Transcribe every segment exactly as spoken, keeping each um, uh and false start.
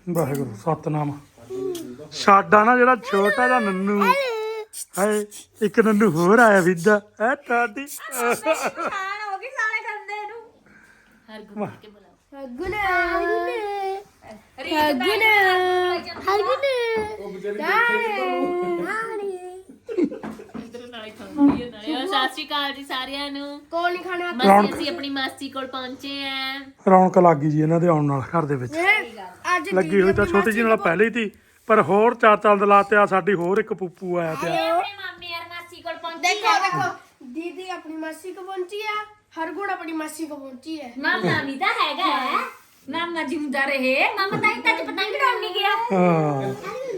ਵਾਹਿਗੁਰੂ ਸਤਨਾਮ। ਸਾਡਾ ਨਾ ਜਿਹੜਾ ਛੋਟਾ ਜਿਹਾ ਨੰਨੂ ਹਾਏ ਇੱਕ ਨੰਨੂ ਹੋਰ ਆਇਆ ਵਿਦਾ ਐ ਟਾਡੀ ਖਾਣ ਹੋ ਗਈ ਸਾਲੇ ਕਰਦੇ ਨੂੰ ਹਰਗੁਣ ਕੇ ਬੁਲਾਓ ਹਰਗੁਣ ਹਰਗੁਣ ਹਰਗੁਣ ਉਹ ਵਿਚਾਰੀ ਦੇਖੇ ਇਧਰ ਨਾਲੇ ਖਾਂਦੀ ਹੈ ਨਾਲੇ ਸਤਿ ਸ਼੍ਰੀ ਅਕਾਲ ਜੀ ਸਾਰਿਆਂ ਨੂੰ। ਕੋਲ ਨਹੀਂ ਖਾਣਾ ਮਾਸੀ ਅਸੀਂ ਆਪਣੀ ਮਾਸੀ ਕੋਲ ਪਹੁੰਚੇ ਆਂ। ਰੌਣਕ ਲੱਗ ਗਈ ਜੀ ਇਹਨਾਂ ਦੇ ਆਉਣ ਨਾਲ ਘਰ ਦੇ ਵਿੱਚ। ਅੱਜ ਲੱਗੀ ਹੋਈ ਤਾਂ ਛੋਟੀ ਜੀ ਨਾਲ ਪਹਿਲੇ ਹੀ ਸੀ ਪਰ ਹੋਰ ਚਾਰ ਚੰਦ ਲਾਤੇ ਆ। ਸਾਡੀ ਹੋਰ ਇੱਕ ਪੂਪੂ ਆਇਆ ਪਿਆ। ਆਪਣੇ ਮਾਮੇ ਯਾਰ ਮਾਸੀ ਕੋਲ ਪਹੁੰਚੇ देखो देखो दीदी अपनी मासी को पहुंची है हरगुण अपनी मासी को पहुंची है ਮਾਮਾ ਵੀ ਤਾਂ ਹੈਗਾ ਹੈ ਮਾਮਾ ਜਿੰਦਾ ਰਹੇ ਮਾਮਾ ਤਾਂ ਇੰਨਾ ਚ ਪਤੰਗ ਉਡਾਉਣ ਨਹੀਂ ਗਿਆ ਹਾਂ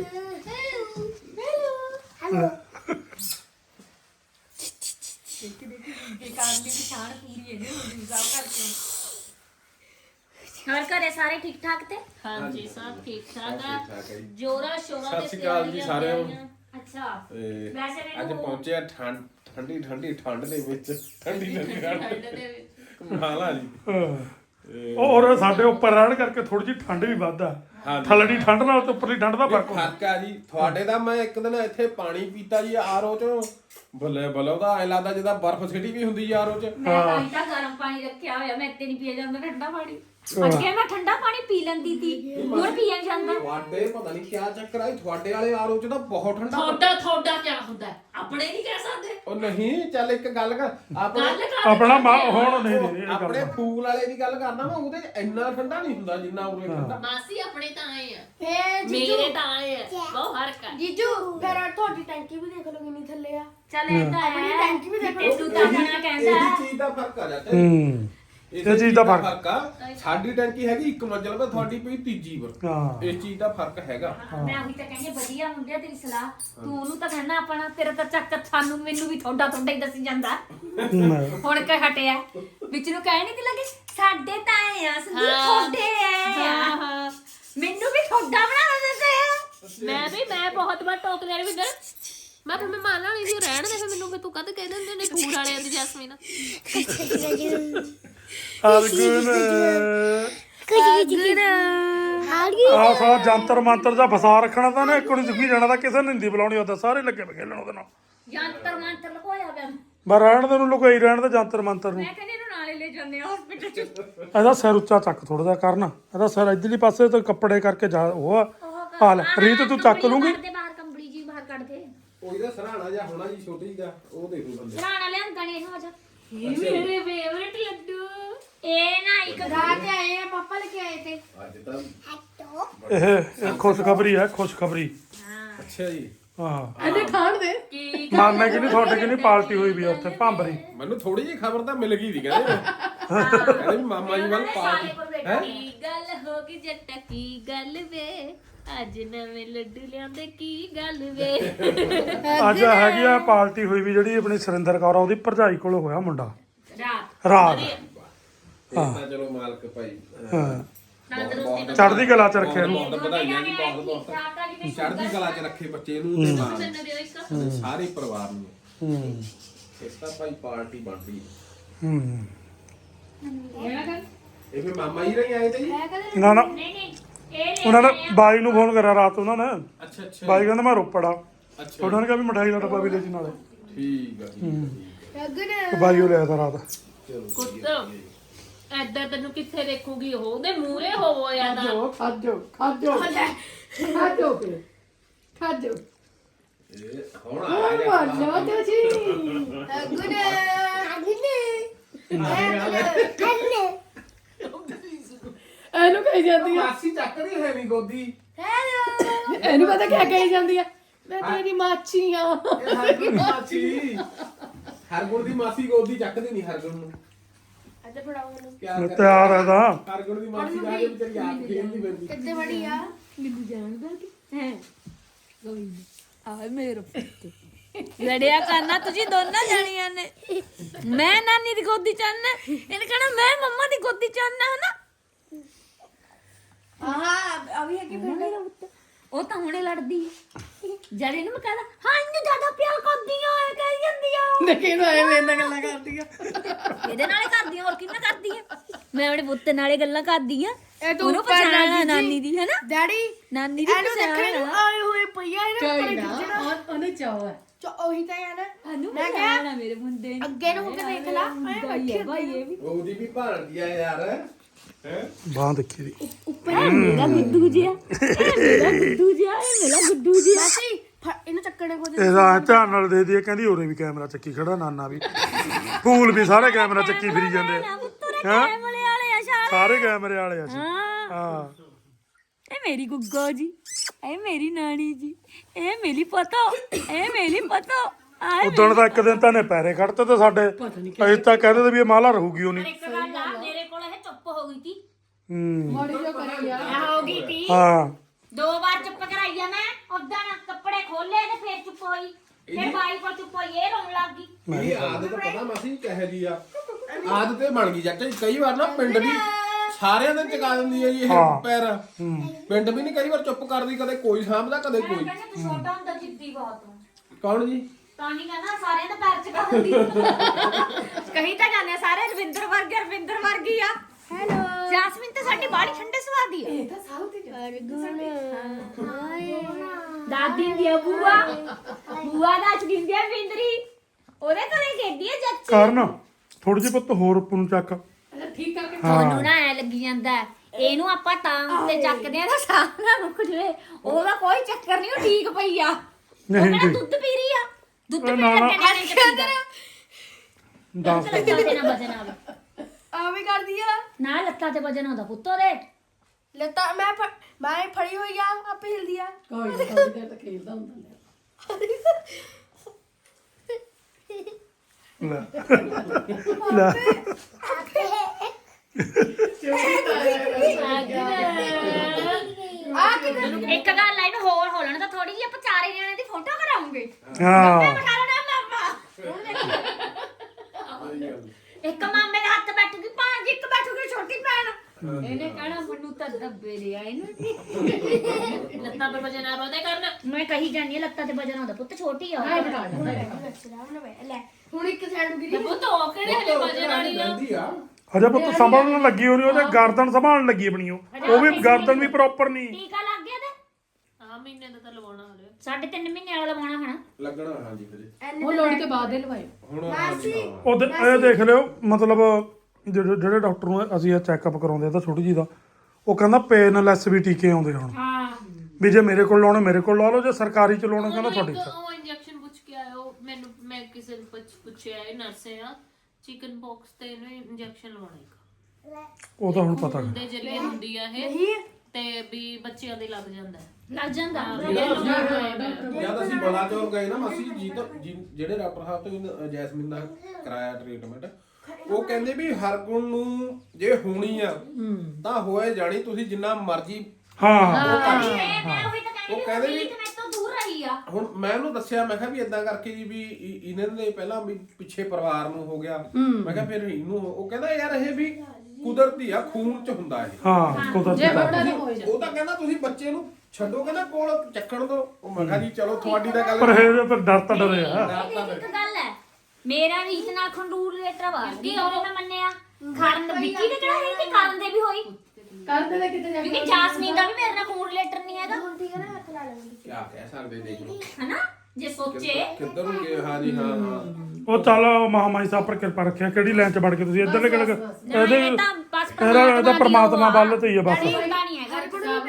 ਹੋਰ ਘਰੇ ਸਾਰੇ ਠੀਕ ਠਾਕ ਤੇ ਹਾਂਜੀ ਸਭ ਠੀਕ ਠਾਕ ਆ। ਠੀਕ ਹੈ ਜੀ। ਜੋਰਾ ਸ਼ੋਰਾ ਸਤਿ ਸ਼੍ਰੀ ਅਕਾਲ ਜੀ ਸਾਰਿਆਂ ਨੂੰ। ਅੱਛਾ ਤੇ ਵੈਸੇ ਮੈਨੂੰ ਅੱਜ ਪਹੁੰਚੇ ਆ ਠੰਡ ਠੰਡੀ ਠੰਡੀ ਠੰਡ ਦੇ ਵਿੱਚ ਠੰਡੀ ਠੰਡੀ ਠੰਡ ਕਮਾਲਾ ਜੀ। ਤੇ ਔਰ ਸਾਡੇ ਉੱਪਰ ਰਹਿਣ ਕਰਕੇ ਥੋੜੀ ਜਿਹੀ ਠੰਡ ਵੀ ਵੱਧ ਆ। ਹਾਂਜੀ। ਥੱਲੜੀ ਠੰਡ ਨਾਲ ਤੇ ਉੱਪਰਲੀ ਠੰਡ ਦਾ ਫਰਕ ਹੁੰਦਾ। ਫਰਕ ਆ ਜੀ ਤੁਹਾਡੇ ਦਾ। ਮੈਂ ਇੱਕ ਦਿਨ ਇੱਥੇ ਪਾਣੀ ਪੀਤਾ ਜੀ ਆਰਓ ਚੋਂ ਬੱਲੇ ਬੱਲੇ ਉਹਦਾ ਐ ਲੱਗਦਾ ਜਿੱਦਾਂ ਬਰਫ਼ ਸਿਟੀ ਵੀ ਹੁੰਦੀ ਆਰਓ ਚ। ਮੈਂ ਤਾਂ ਇੰਨਾ ਗਰਮ ਪਾਣੀ ਰੱਖਿਆ ਹੋਇਆ ਮੈਂ ਇੱਥੇ ਨਹੀਂ ਪੀਆ ਜਾਂਦਾ ਠੰਡਾ ਪਾਣੀ ਅੱਗੇ ਮੈਂ ਠੰਡਾ ਪਾਣੀ ਪੀ ਲੈਂਦੀ ਸੀ ਹੁਣ ਪੀਆ ਨੀ ਜਾਂਦਾ ਤੁਹਾਡੇ ਪਤਾ ਨਹੀਂ ਕਿਆ ਚੱਕਰ ਆ ਜੀ, ਤੁਹਾਡੇ ਵਾਲੇ ਆਰਓ ਚ ਤਾਂ ਬਹੁਤ ਠੰਡਾ। ਥੋੜਾ ਥੋੜਾ ਕੀ ਹੁੰਦਾ ਹੈ? ਆਪਣੇ ਨਹੀਂ ਕਹਿ ਸਕਦੇ। ਉਹ ਨਹੀਂ ਚੱਲ ਇੱਕ ਗੱਲ ਕਰ ਆਪਣੇ ਗੱਲ ਕਰ ਆਪਣਾ ਮਾ- ਹੁਣ ਨਹੀਂ ਨਹੀਂ ਇਹ ਗੱਲ ਆਪਣੇ ਫੂਲ ਵਾਲੇ ਦੀ ਗੱਲ ਕਰਦਾ ਮੈਂ ਉਹਦੇ ਚ ਇੰਨਾ ਠੰਡਾ ਨਹੀਂ ਹੁੰਦਾ ਜਿੰਨਾ ਉਰੇ ਠੰਡਾ। ਮਾਸੀ ਆਪਣੇ ਤਾਂ ਆਏ ਆ ए जीजू ਮੇਰੇ ਤਾਂ ਆਏ ਆ ਬਹੁਤ ਹਰਕ ਆ। जीजू फिर थोड़ी टंकी भी देख लो कितनी थल्ले आ ਚੱਲ ਏਦਾਂ अपनी ਹੈ टंकी भी देख लो ਇਹ ਤੂੰ ਤਾਂ ਆਪਣਾ ਕਹਿੰਦਾ ਇਹਦੀ ਚੀਜ਼ ਦਾ ਫਰਕ ਆ ਜਾਂਦਾ ਹੂੰ ਇਸ ਇਹ ਚੀਜ਼ ਦਾ ਫਰਕ ਆ। ਸਾਡੀ ਟੈਂਕੀ ਹੈਗੀ ਇੱਕ ਮੰਜ਼ਲ ਤੇ ਤੁਹਾਡੀ ਪਈ ਤੀਜੀ ਪਰ। ਹਾਂ ਇਸ ਚੀਜ਼ ਦਾ ਫਰਕ ਹੈਗਾ। ਮੈਂ ਉਹੀ ਤਾਂ ਕਹਿੰਦੀ ਵਧੀਆ ਹੁੰਦੀ ਆ ਤੇਰੀ ਸਲਾਹ ਤੂੰ ਉਹਨੂੰ ਤਾਂ ਕਹਿਣਾ ਆਪਣਾ ਤੇਰਾ ਤਾਂ ਚੱਕ ਸਾਨੂੰ ਮੈਨੂੰ ਵੀ ਥੋੜਾ ਥੋੜਾ ਹੀ ਦੱਸੀ ਜਾਂਦਾ ਨਹੀਂ। ਹੁਣ ਕਿ ਹਟਿਆ ਵਿੱਚ ਨੂੰ ਕਹਿ ਨਹੀਂ ਕਿ ਲੱਗੇ ਸਾਡੇ ਤਾਂ ਆਏ ਆ ਸੰਦੀਪ ਹਾਂ। ਥੋੜੇ ਆਏ ਹਾਂ ਆ ਹਾਂ ਮੈਨੂੰ ਵੀ ਥੋੜਾ ਬਣਾ ਦਿੰਦੇ ਆ ਮੈਂ ਵੀ ਮੈਂ ਬਹੁਤ ਵਾਰ ਟੋਕ ਲਿਆ ਵੀ ਦਰ ਮੈਂ ਫਿਰ ਮੈਂ ਮੰਨ ਲੈਣੀ ਸੀ ਰਹਿਣ ਦੇ ਫਿਰ ਮੈਨੂੰ ਵੀ ਤੂੰ ਕਦ ਕਹਿ ਦਿੰਦੇ ਨੇ ਫੂਡ ਵਾਲਿਆਂ ਦੀ ਜੈਸਮੀਨ ਹਰਗੁਣ हरगुण ਆ ਸਾਲਾ ਜੰਤਰ ਮੰਤਰ ਦਾ ਫਸਾ ਰੱਖਣਾ ਤਾਂ ਨਾ ਇੱਕ ਨੂੰ ਦੁਖੀ ਜਾਣਾ ਤਾਂ ਕਿਸੇ ਨੇ ਹਿੰਦੀ ਬੁਲਾਉਣੀ ਹੁੰਦਾ ਸਾਰੇ ਲੱਗੇ ਪਏ ਖੇਲਣ ਉਹਦੇ ਨਾਲ। ਜੰਤਰ ਮੰਤਰ ਲਗੋਇਆ ਪਿਆ ਬਸ ਰਹਿਣ ਦੇ ਨੂੰ ਲੁਕਾਈ ਰਹਿਣ ਦੇ ਜੰਤਰ ਮੰਤਰ ਨੂੰ। ਮੈਂ ਕਹਿੰਦੀ ਇਹਨੂੰ ਨਾਲੇ ਲੈ ਜਾਂਦੇ ਆ ਹਸਪੀਟਲ ਚ ਇਹਦਾ ਸਿਰ ਉੱਚਾ ਚੱਕ ਥੋੜਾ ਜਿਹਾ ਕਰਨਾ ਇਹਦਾ ਸਿਰ ਇੱਧਰਲੀ ਪਾਸੇ ਤੋਂ ਕੱਪੜੇ ਕਰਕੇ ਜਾ ਉਹ ਆ। ਆ ਲੈ ਰੀਤ ਤੂੰ ਚੱਕ ਲੂੰਗੀ। ਕੱਢ ਦੇ ਬਾਹਰ ਕੰਬਲੀ ਜੀ ਬਾਹਰ ਕੱਢ ਦੇ ਉਹ ਇਹਦਾ ਸਰਾਣਾ ਜਿਹਾ ਹੋਣਾ ਜੀ ਛੋਟੀ ਜਿਹਾ ਉਹ ਦੇ ਦੂ ਬੰਦੇ। ਸਰਾਣਾ ਲਿਆਂਦਾ ਨਹੀਂ ਇਹਨੂੰ ਅਜਾ ਇਹ ਮੇਰੇ ਫੇਵਰਟ ਲੱਡੂ ਇਹ ਨਾ ਇੱਕ रात आए हैं पापा लेके आए थे ਅੱਜ ਤਾਂ ਇਹ ਇਹ ਖੁਸ਼ਖਬਰੀ ਹੈ ਖੁਸ਼ਖਬਰੀ। ਅੱਛਾ ਜੀ। ਹਾਂ अरे खान दे ਕੀ ਮਾਨੇ ਕਿ ਨਹੀਂ ਤੁਹਾਡੇ ਕਿ ਨਹੀਂ ਪਾਰਟੀ ਹੋਈ ਵੀ ਆ ਉੱਥੇ ਭਾਂਬਰੀ। ਮੈਨੂੰ ਥੋੜੀ ਜਿਹੀ ਖਬਰ ਤਾਂ ਮਿਲ ਗਈ ਸੀ ਕਹਿੰਦੇ ਕਹਿੰਦੇ ਵੀ ਮਾਮਾ ਜੀ ਵੱਲ ਪਾਰਟੀ ਹੈ। ਕੀ ਗੱਲ ਹੋ ਗਈ ਜੱਟਾ ਕੀ ਗੱਲ ਵੇ ਅੱਜ ਨਵੇਂ ਲੱਡੂ ਲਿਆਂਦੇ ਕੀ ਗੱਲ ਵੇ ਅੱਜ ਹੈਗੀ ਆ ਪਾਰਟੀ ਹੋਈ ਵੀ ਜਿਹੜੀ ਆਪਣੀ ਸੁਰਿੰਦਰ ਕੌਰ ਆ ਉਹਦੀ ਭਰਜਾਈ ਕੋਲ ਹੋਇਆ ਮੁੰਡਾ ਰਾਤ ਰਾਤ। ਇਹ ਤਾਂ ਚਲੋ ਮਾਲਕ ਭਾਈ ਹਾਂ ਤੰਦਰੁਸਤੀ ਚੜ੍ਹਦੀ ਕਲਾ ਚ ਰੱਖਿਆ ਇਹਨੂੰ। ਬਹੁਤ ਵਧਾਈਆਂ ਜੀ ਬਹੁਤ ਬਹੁਤ ਚੜ੍ਹਦੀ ਕਲਾ ਚ ਰੱਖੇ ਬੱਚੇ ਨੂੰ ਤੇ ਮਾਂ ਨੂੰ, ਮੈਨੂੰ ਦਿਓ ਇਸ ਤੇ ਸਾਰੇ ਪਰਿਵਾਰ ਨੂੰ। ਹੂੰ ਇਸ ਤਾਂ ਭਾਈ ਪਾਰਟੀ ਬਣ ਰਹੀ ਹੈ। ਹੂੰ ਇਹ ਵੀ ਮਾਮਾ ਜੀ ਰਹੀ ਆਏ ਤੇ ਜੀ। ਨਾ ਨਾ ਨਹੀਂ ਨਹੀਂ ਇਹ ਲੈ ਉਹਨਾਂ ਨੇ ਬਾਈ ਨੂੰ ਫੋਨ ਕਰਿਆ ਰਾਤ ਉਹਨਾਂ ਨੇ। ਅੱਛਾ ਅੱਛਾ ਬਾਈ ਕਹਿੰਦਾ ਮੈਂ ਰੋਪੜ ਆ। ਅੱਛਾ ਉਹਨਾਂ ਨੇ ਕਿਹਾ ਵੀ ਮਠਾਈ ਦਾ ਡੱਬਾ ਵੀ ਲੈ ਜੀ ਨਾਲੇ। ਠੀਕ ਆ ਠੀਕ ਆ, ਠੀਕ ਆ। ਤੇ ਬਾਈ ਉਹ ਲਿਆ ਤਾ ਰਾਤ। ਚਲੋ ਕੁੱਤ ਐਦਾਂ ਤੈਨੂੰ ਕਿੱਥੇ ਦੇਖੂਗੀ ਉਹ ਉਹਦੇ ਮੂਹਰੇ ਹੋਵੋ ਯਾਰ खाजो खाजो खाजो फिर खाजो ਇਹ ਹੁਣ ਆ ਗਿਆ बोलो तो जी हरगुण हरगुण ਇਹਨੂੰ ਕਹੀ ਜਾਂਦੀ ਆ ਮਾਸੀ ਚੱਕਦੀ ਹੈ ਨਹੀਂ ਗੋਦੀ। ਇਹਨੂੰ ਪਤਾ ਕਿਆ ਕਹੀ ਜਾਂਦੀ ਆ ਮੈਂ ਤੇਰੀ ਮਾਚੀ ਆ ਇਹ ਹਰਗੁਣ ਮਾਸੀ ਹਰਗੁਣ ਦੀ ਮਾਸੀ ਗੋਦੀ ਚੱਕਦੀ ਨਹੀਂ ਹਰਗੁਣ ਨੂੰ। ਅੱਛਾ ਫੜਾਓ ਮੈਨੂੰ ਕਿਆ ਕਰ- ਤਿਆਰ ਹੈ ਤਾਂ ਹਰਗੁਣ ਦੀ ਮਾਸੀ ਦਾ ਜੇ ਵਿਚਾਰੀ ਆਪ ਖੇਲਦੀ ਫਿਰਦੀ। ਕਿੱਥੇ ਬੜੀ ਆ ਲੜਿਆ ਕਰਨਾ ਤੁਸੀਂ ਦੋਨਾਂ ਜਾਣੀਆਂ ਨੇ ਮੈਂ ਨਾਨੀ ਦੀ ਗੋਦੀ ਚੰਨਾ ਇਹਨੇ ਕਹਣਾ ਮੈਂ ਮੰਮਾ ਦੀ ਗੋਦੀ ਚੰਨਾ ਹੈ ਨਾ ਹਾਂ ਅਭੀ ਹੈ ਕਿ ਫਿਰ ਉਹ ਤਾਂ ਹੁਣੇ ਲੜਦੀ ਜਦ ਇਹਨੂੰ ਮੈਂ ਕਹਦਾ ਹਾਂ ਇਹਨੂੰ ਜ਼ਿਆਦਾ ਪਿਆਰ ਕਰਦੀ ਆ ਇਹ ਕਹਿ ਜਾਂਦੀ ਆ ਦੇਖੇ ਨਾ ਇਹ ਮੇਰੇ ਨਾਲ ਗੱਲਾਂ ਕਰਦੀ ਆ ਇਹਦੇ ਨਾਲ ਹੀ ਕਰਦੀ ਆ ਹੋਰ ਕਿਵੇਂ ਕਰਦੀ ਆ ਮੈਂ ਆਪਣੇ ਪੁੱਤ ਨਾਲੇ ਗੱਲਾਂ ਕਰਦੀ ਆ ਇਹ ਤੂੰ ਉਹਨੂੰ ਉੱਪਰ ਪਛਾਣਨਾ ਲੱਗੀ ਨਾਨੀ ਦੀ ਹੈ ਨਾ ਡੈਡੀ ਨਾਨੀ ਦੀ ਇਹਨੂੰ ਦੇਖਣੇ ਨੂੰ ਪਛਾਣ ਆਏ ਹੋਏ ਪਈਆ ਇਹਨਾਂ ਕੋਈ ਨਾ ਉਹ- ਉਹਨੂੰ ਚਾਹ ਹੈ ਚੋ ਉਹੀ ਤਾਂ ਹੈ ਨਾ ਅਨੂ ਮੈਂ ਕਿਹਾ ਪਛਾਣਨਾ ਮੇਰੇ ਮੁੰਡੇ ਨੂੰ ਅੱਗੇ ਨੂੰ ਹੋ ਕੇ ਦੇਖ ਲਾ ਐ ਬੈਠੀ ਭਾਈ ਇਹ ਵੀ ਉਹਦੀ ਵੀ ਭਾਣਦੀ ਆ ਯਾਰ ਹੈ ਬਾਹ ਦੇਖੀ ਦੀ ਇਹ ਮੇਰਾ ਗੁੱਡੂ ਜਿਹਾ ਇਹ ਮੇਰਾ ਗੁੱਡੂ ਜਿਹਾ ਇਹ ਮੇਰਾ ਗੁੱਡੂ ਜਿਹਾ ਮਾਸੀ ਫ- ਇਹਨੂੰ ਚੱਕਣੇ ਕੋ ਇਹਦਾ ਐਂ ਧਿਆਨ ਨਾਲ ਦੇ ਦੀ ਕਹਿੰਦੀ ਉਰੇ ਵੀ ਕੈਮਰਾ ਚੱਕੀ ਖੜਾ ਨਾਨਾ ਵੀ ਫੂਲ ਵੀ ਸਾਰੇ ਕੈਮਰਾ ਚੱਕੀ ਫਿਰੀ ਜਾਂਦੇ ਆ। ਪੁੱਤਰੇ ਕੈਮਰੇ ਵਾਲੇ ਆ ਸਾਰੇ ਸਾਰੇ ਕੈਮਰੇ ਵਾਲੇ ਆ ਜੀ ਹਾਂ ਹਾਂ ਇਹ ਮੇਰੀ ਗੁੱਗੋ ਜੀ ਇਹ ਮੇਰੀ ਨਾਨੀ ਜੀ ਇਹ ਮੇਰੀ ਪਤੋ ਇਹ ਮੇਰੀ ਪਤੋ ਆਏ ਉਦਣ ਦਾ ਇੱਕ ਦਿਨ ਤਾਂ ਨੇ ਪੈਰੇ ਕੱਢਤੇ ਤੇ ਸਾਡੇ ਅਸੀਂ ਤਾਂ ਕਹਿੰਦੇ ਤੇ ਵੀ ਇਹ ਮਾਲਾ ਰਹੂਗੀ ਉਹ ਨਹੀਂ ਇੱਕ ਗੱਲ ਆ ਮੇਰੇ ਕੋਲ ਇਹ ਚੁੱਪ ਹੋ ਗਈ ਸੀ ਹੂੰ ਮੋੜੀ ਜੋ ਕਰੀ ਆ ਹੋ ਗਈ ਸੀ ਹਾਂ ਦੋ ਵਾਰ ਚੁੱਪ ਕਰਾਈ ਆ ਮੈਂ ਉਦਾਂ ਕੱਪੜੇ ਖੋਲੇ ਤੇ ਫੇਰ ਚੁੱਪ ਹੋਈ ਫਿਰ ਬਾਈ ਕੋਲ ਚੁੱਪ ਹੋਈ ਇਹ ਰੋਣ ਲੱਗ ਗਈ ਇਹ ਆਦਤ ਪਤਾ ਮਾਸੀ ਕਹੇ ਦੀ ਆ ਆਦਤ ਇਹ ਬਣ ਗਈ ਚਾਚਾ ਜੀ ਕਈ ਵਾਰ ਨਾ ਪਿੰਡ ਵੀ ਸਾਰਿਆਂ ਦੇ ਚਕਾ ਦਿੰਦੀ ਹੈ ਜੀ ਇਹ ਹਾਂ। ਪੈਰ ਪਿੰਡ ਵੀ ਨਹੀਂ ਕਈ ਵਾਰ ਚੁੱਪ ਕਰਦੀ ਕਦੇ ਕੋਈ ਸਾਂਭਦਾ ਕਦੇ ਕੋਈ ਕਹਿੰਦੇ ਤੂੰ ਛੋਟਾ ਹੁੰਦਾ ਜਿੱਦੀ ਬਹੁਤ ਹੋ ਕੌਣ ਜੀ ਤਾਂ ਹੀ ਕਹਿੰਦਾ ਸਾਰਿਆਂ ਦੇ ਪੈਰ ਚਕਾ ਦਿੰਦੀ ਕਹੀ ਤਾਂ ਜਾਂਦੇ ਆ ਸਾਰੇ ਰਵਿੰਦਰ ਵਰਗੇ ਰਵਿੰਦਰ ਵਰਗੀ ਆ ਹੈਲੋ ਜਾਸਮੀਨ ਤਾਂ ਸਾਡੀ ਬਾੜੀ ਠੰਡੇ ਸਵਾਦ ਦੀ ਆ ਇਹ ਤਾਂ ਸਾਊਥ ਦੀ ਦਾਦੀ ਦੀ ਆ ਬੂਆ ਬੂਆ ਦਾ ਚ ਗਿੰਦੀ ਆ ਬਿੰਦਰੀ ਉਹਦੇ ਘਰੇ ਖੇਡੀ ਆ ਜੱਚੀ ਕਰਨ ਥੋੜੀ ਜਿਹੀ ਪੁੱਤ ਹੋਰ ਉੱਪਰ ਨੂੰ ਚੱਕ ਅੱਛਾ ਠੀਕ ਕਰਕੇ ਤੁਹਾਨੂੰ ਨਾ ਐ ਲੱਗੀ ਜਾਂਦਾ ਹੈ। ਇਹਨੂੰ ਆਪਾਂ ਤਾਂ ਉੱਤੇ ਚੱਕਦੇ ਆ ਤਾਂ ਸਾਹਮਣਾ ਮੁੱਕ ਜਵੇ ਉਹਦਾ ਕੋਈ ਚੱਕਰ ਨਹੀਂ ਉਹ ਠੀਕ ਪਈ ਆ ਉਹ ਨਹੀਂ ਕਹਿੰਦਾ ਜੀ ਦੁੱਧ ਪੀ ਰਹੀ ਆ ਦੁੱਧ ਪੀਣ ਨਾ, ਨਾ। ਲੱਗੇ ਨੇ ਚੱਕੀਦਾ ਦੱਸ ਲੱਤਾਂ ਤੇ ਨਾ ਵਜਨ ਆਵੇ ਆ ਵੀ ਕਰਦੀ ਆ ਨਾ ਲੱਤਾਂ ਤੇ ਵਜਨ ਆਉਂਦਾ ਪੁੱਤੋ ਦੇ ਲੱਤਾ ਮੈਂ ਫ- ਮੈਂ ਫੜੀ ਹੋਈ ਆ ਆਪੇ ਹਿਲਦੀ ਆ ਕੋਈ ਨਾ ਥੋੜੀ ਦੇਰ ਤੱਕ ਖੇਡਦਾ ਹੁੰਦਾ ਲੈ ਲੈ ਇੱਕ ਗੱਲ ਆ ਇਹਨੂੰ ਹੋਰ ਹੋਲਣ ਤਾਂ ਥੋੜੀ ਜਿਹੀ ਆਪਾਂ ਚਾਰੇ ਜਣਿਆਂ ਦੀ ਫੋਟੋ ਕਰਾਉਂਗੇ ਹਾਂ ਬਿਠਾ ਲੈਣਾ ਮਾਮਾ ਇੱਕ ਮਾਮੇ ਦੇ ਹੱਥ ਬੈਠੂਗੀ ਪੰਜ ਇੱਕ ਬੈਠੂਗੀ ਛੋਟੀ ਭੈਣ ਇਹਨੇ ਕਹਿਣਾ ਮੈਨੂੰ ਤਾਂ ਦੱਬੇ ਲਿਆ ਇਹਨੂੰ ਲੱਤਾਂ ਪਰ ਵਜਨ ਆ ਉਹਦੇ ਕਰਨਾ ਮੈਂ ਕਹੀ ਜਾਂਦੀ ਆ ਲੱਤਾਂ ਤੇ ਵਜਨ ਆਉਂਦਾ ਪੁੱਤ ਛੋਟੀ ਆ ਆਏ ਬਿਠਾ ਦੇ ਲੈ ਹੁਣ ਇੱਕ ਸਾਈਡ ਨੂੰ ਗਿਰੀ ਉਹ ਤਾਂ ਕਿਹੜੇ ਹਲੇ ਵਜਨ ਵਾਲੀ ਆ ਰਹਿੰਦੀ ਆ ਹਜੇ ਪੁੱਤ ਸੰਭਾਲਣ ਲੱਗੀ ਹੋਣੀ ਉਹਦੇ ਗਰਦਨ ਸੰਭਾਲਣ ਲੱਗੀ ਆਪਣੀ ਉਹ ਉਹ ਵੀ ਗਰਦਨ ਵੀ ਪ੍ਰੋਪਰ ਨਹੀਂ ਟੀਕਾ ਲੱਗ ਗਿਆ ਤੇ ਹਾਂ ਮਹੀਨੇ ਦਾ ਤਾਂ ਲਵਾਉਣਾ ਹਲੇ ਸਾਢੇ ਤਿੰਨ ਮਹੀਨੇ ਵਾਲਾ ਲਵਾਉਣਾ ਹਨਾ ਲੱਗਣਾ ਹਾਂਜੀ ਹਜੇ ਉਹ ਲੋੜੀ ਤੇ ਬਾਅਦ ਦੇ ਲਵਾਏ ਹੁਣ ਹਾਂਜੀ ਹਾਂ ਉਹਦੇ ਇਹ ਦੇਖ ਲਿਓ ਮਤਲਬ ਜਿਹੜੇ ਜਿਹੜੇ ਡਾਕਟਰ ਨੂੰ ਅਸੀਂ ਇਹ ਚੈੱਕਅਪ ਕਰਾਉਂਦੇ ਆ ਤਾਂ ਛੋਟੀ ਜੀ ਦਾ ਉਹ ਕਹਿੰਦਾ ਪੇਨਲੈਸ ਵੀ ਟੀਕੇ ਆਉਂਦੇ ਹੁਣ ਹਾਂ ਵੀ ਜੇ ਮੇਰੇ ਕੋਲ ਲਾਉਣੇ ਮੇਰੇ ਕੋਲ ਲਾ ਲਓ ਜੇ ਸਰਕਾਰੀ ਚ ਲਾਉਣਾ ਕਹਿੰਦਾ ਤੁਹਾਡੀ ਇੱਛਾ ਉਹ ਇੰਜੈਕਸ਼ਨ ਪੁੱਛ ਕੇ ਆਇਓ ਮੈਨੂੰ ਮੈਂ ਕਿਸੇ ਨੂੰ ਪੁੱਛ ਪੁੱਛਿਆ ਇਹ ਨਰਸੇ ਆ ਚਿਕਨ ਬਾਕਸ ਤੇ ਇਹਨੂੰ ਇੰਜੈਕਸ਼ਨ ਲਵਾਉਣਾ ਇੱਕ ਉਹ ਤਾਂ ਹੁਣ ਪਤਾ ਗਾ। ਦੇ ਜਰੀਏ ਹੁੰਦੀ ਆ ਇਹ ਤੇ ਵੀ ਬੱਚਿਆਂ ਦੇ ਲੱਗ ਜਾਂਦਾ ਹੈ। ਲੱਗ ਜਾਂਦਾ ਜਦ ਅਸੀਂ ਬਲਾਚੌਰ ਗਏ ਨਾ ਮਾਸੀ ਜੀ ਤਾਂ ਜੀ- ਜਿਹੜੇ ਡਾਕਟਰ ਸਾਹਿਬ ਤੋਂ ਇਹਨੇ ਜੈਸਮੀਨ ਦਾ ਕਰਾਇਆ ਟ੍ਰੀਟਮੈਂਟ ਉਹ ਕਹਿੰਦੇ ਵੀ ਹਰਗੁਣ ਨੂੰ ਜੇ ਹੋਣੀ ਆ ਤਾਂ ਹੋਏ ਜਾਣੀ ਤੁਸੀਂ ਜਿੰਨਾ ਮਰਜ਼ੀ ਹਾਂ ਮੈਂ ਉਹੀ ਤਾਂ ਉਹ ਕਹਿੰਦੀ ਕਹਿੰਦੇ ਵੀ ਵੀ ਮੈਂ ਤੋਂ ਦੂਰ ਰਹੀ ਆ ਹੁਣ ਮੈਂ ਉਹਨੂੰ ਦੱਸਿਆ ਮੈਂ ਕਿਹਾ ਵੀ ਇਦਾਂ ਕਰਕੇ ਜੀ ਵੀ ਇ- ਇਹਨਾਂ ਦੇ ਪਹਿਲਾਂ ਵੀ ਪਿੱਛੇ ਪਰਿਵਾਰ ਨੂੰ ਹੋ ਗਿਆ ਮੈਂ ਕਿਹਾ ਫਿਰ ਇਹਨੂੰ ਹੋ- ਉਹ ਕਹਿੰਦਾ ਯਾਰ ਇਹ ਵੀ ਕੁਦਰਤੀ ਆ ਖੂਨ ਚ ਹੁੰਦਾ ਇਹ ਹਾਂ ਕੁਦਰਤੀ ਜੇ ਗੱਲ। ਬੜਾ ਨਾ ਹੋਏ ਜਾ ਉਹ ਤਾਂ ਕਹਿੰਦਾ ਤੁਸੀਂ ਬੱਚੇ ਨੂੰ ਛੱਡੋ ਕਹਿੰਦਾ ਕੋਲ ਚੱਕਣ ਦੋ ਉਹ ਮੈਂ ਕਿਹਾ ਜੀ ਚਲੋ ਤੁਹਾਡੀ ਤਾਂ ਗੱਲ ਪਰ ਇਹ ਪਰ ਡਰ ਤਾਂ ਡਰੇ ਆ ਡਰ ਤਾਂ ਇੱਕ ਗੱਲ ਹੈ ਮੇਰਾ ਰੀਤ ਨਾਲ ਖੰਡੂਰ ਲੇਟਰ ਵਾ ਕਿ ਉਹ ਮੈਂ ਮੰਨਿਆ ਖਰਨ ਵਿੱਕੀ ਦੇ ਕਿਹੜਾ ਹੈ ਕਿ ਕਰਨ ਦੇ ਵੀ ਹੋਈ ਕਰਦੇ ਤੇ ਕਿਤੇ ਜਾ ਕੇ ਕਿਉਂਕਿ ਜਾਸਮੀਨ ਦਾ ਵੀ ਮੇਰੇ ਨਾਲ ਖੂਨ ਲੇਟਰ ਨਹੀਂ ਹੈਗਾ ਠੀਕ ਹੈ ਨਾ ਹੱਥ ਲਾ ਲੈਂਦੀ ਕਿਆ ਕਹਿ ਸਕਦੇ ਦੇਖ ਲਓ ਹਨਾ ਜੇ ਸੋਚੇ ਕਿੱਧਰ ਨੂੰ ਗਏ ਹਾਂ ਜੀ ਹਾਂ ਹਾਂ ਉਹ ਚੱਲ ਮਹਾਮਾਈ ਸਾਹਿਬ ਪਰ ਕਿਰਪਾ ਰੱਖਿਆ ਕਿਹੜੀ ਲਾਈਨ ਚ ਵੜ ਕੇ ਤੁਸੀਂ ਇੱਧਰਲੇ ਕਿਹੜੇ ਇਹਦੇ ਇਹ ਤਾਂ ਬਸ ਇਹਦਾ ਇਹਦਾ ਪਰਮਾਤਮਾ ਵੱਲ ਤੇ ਹੀ ਆ ਬਸ ਹੁੰਦਾ ਨਹੀਂ ਹੈਗਾ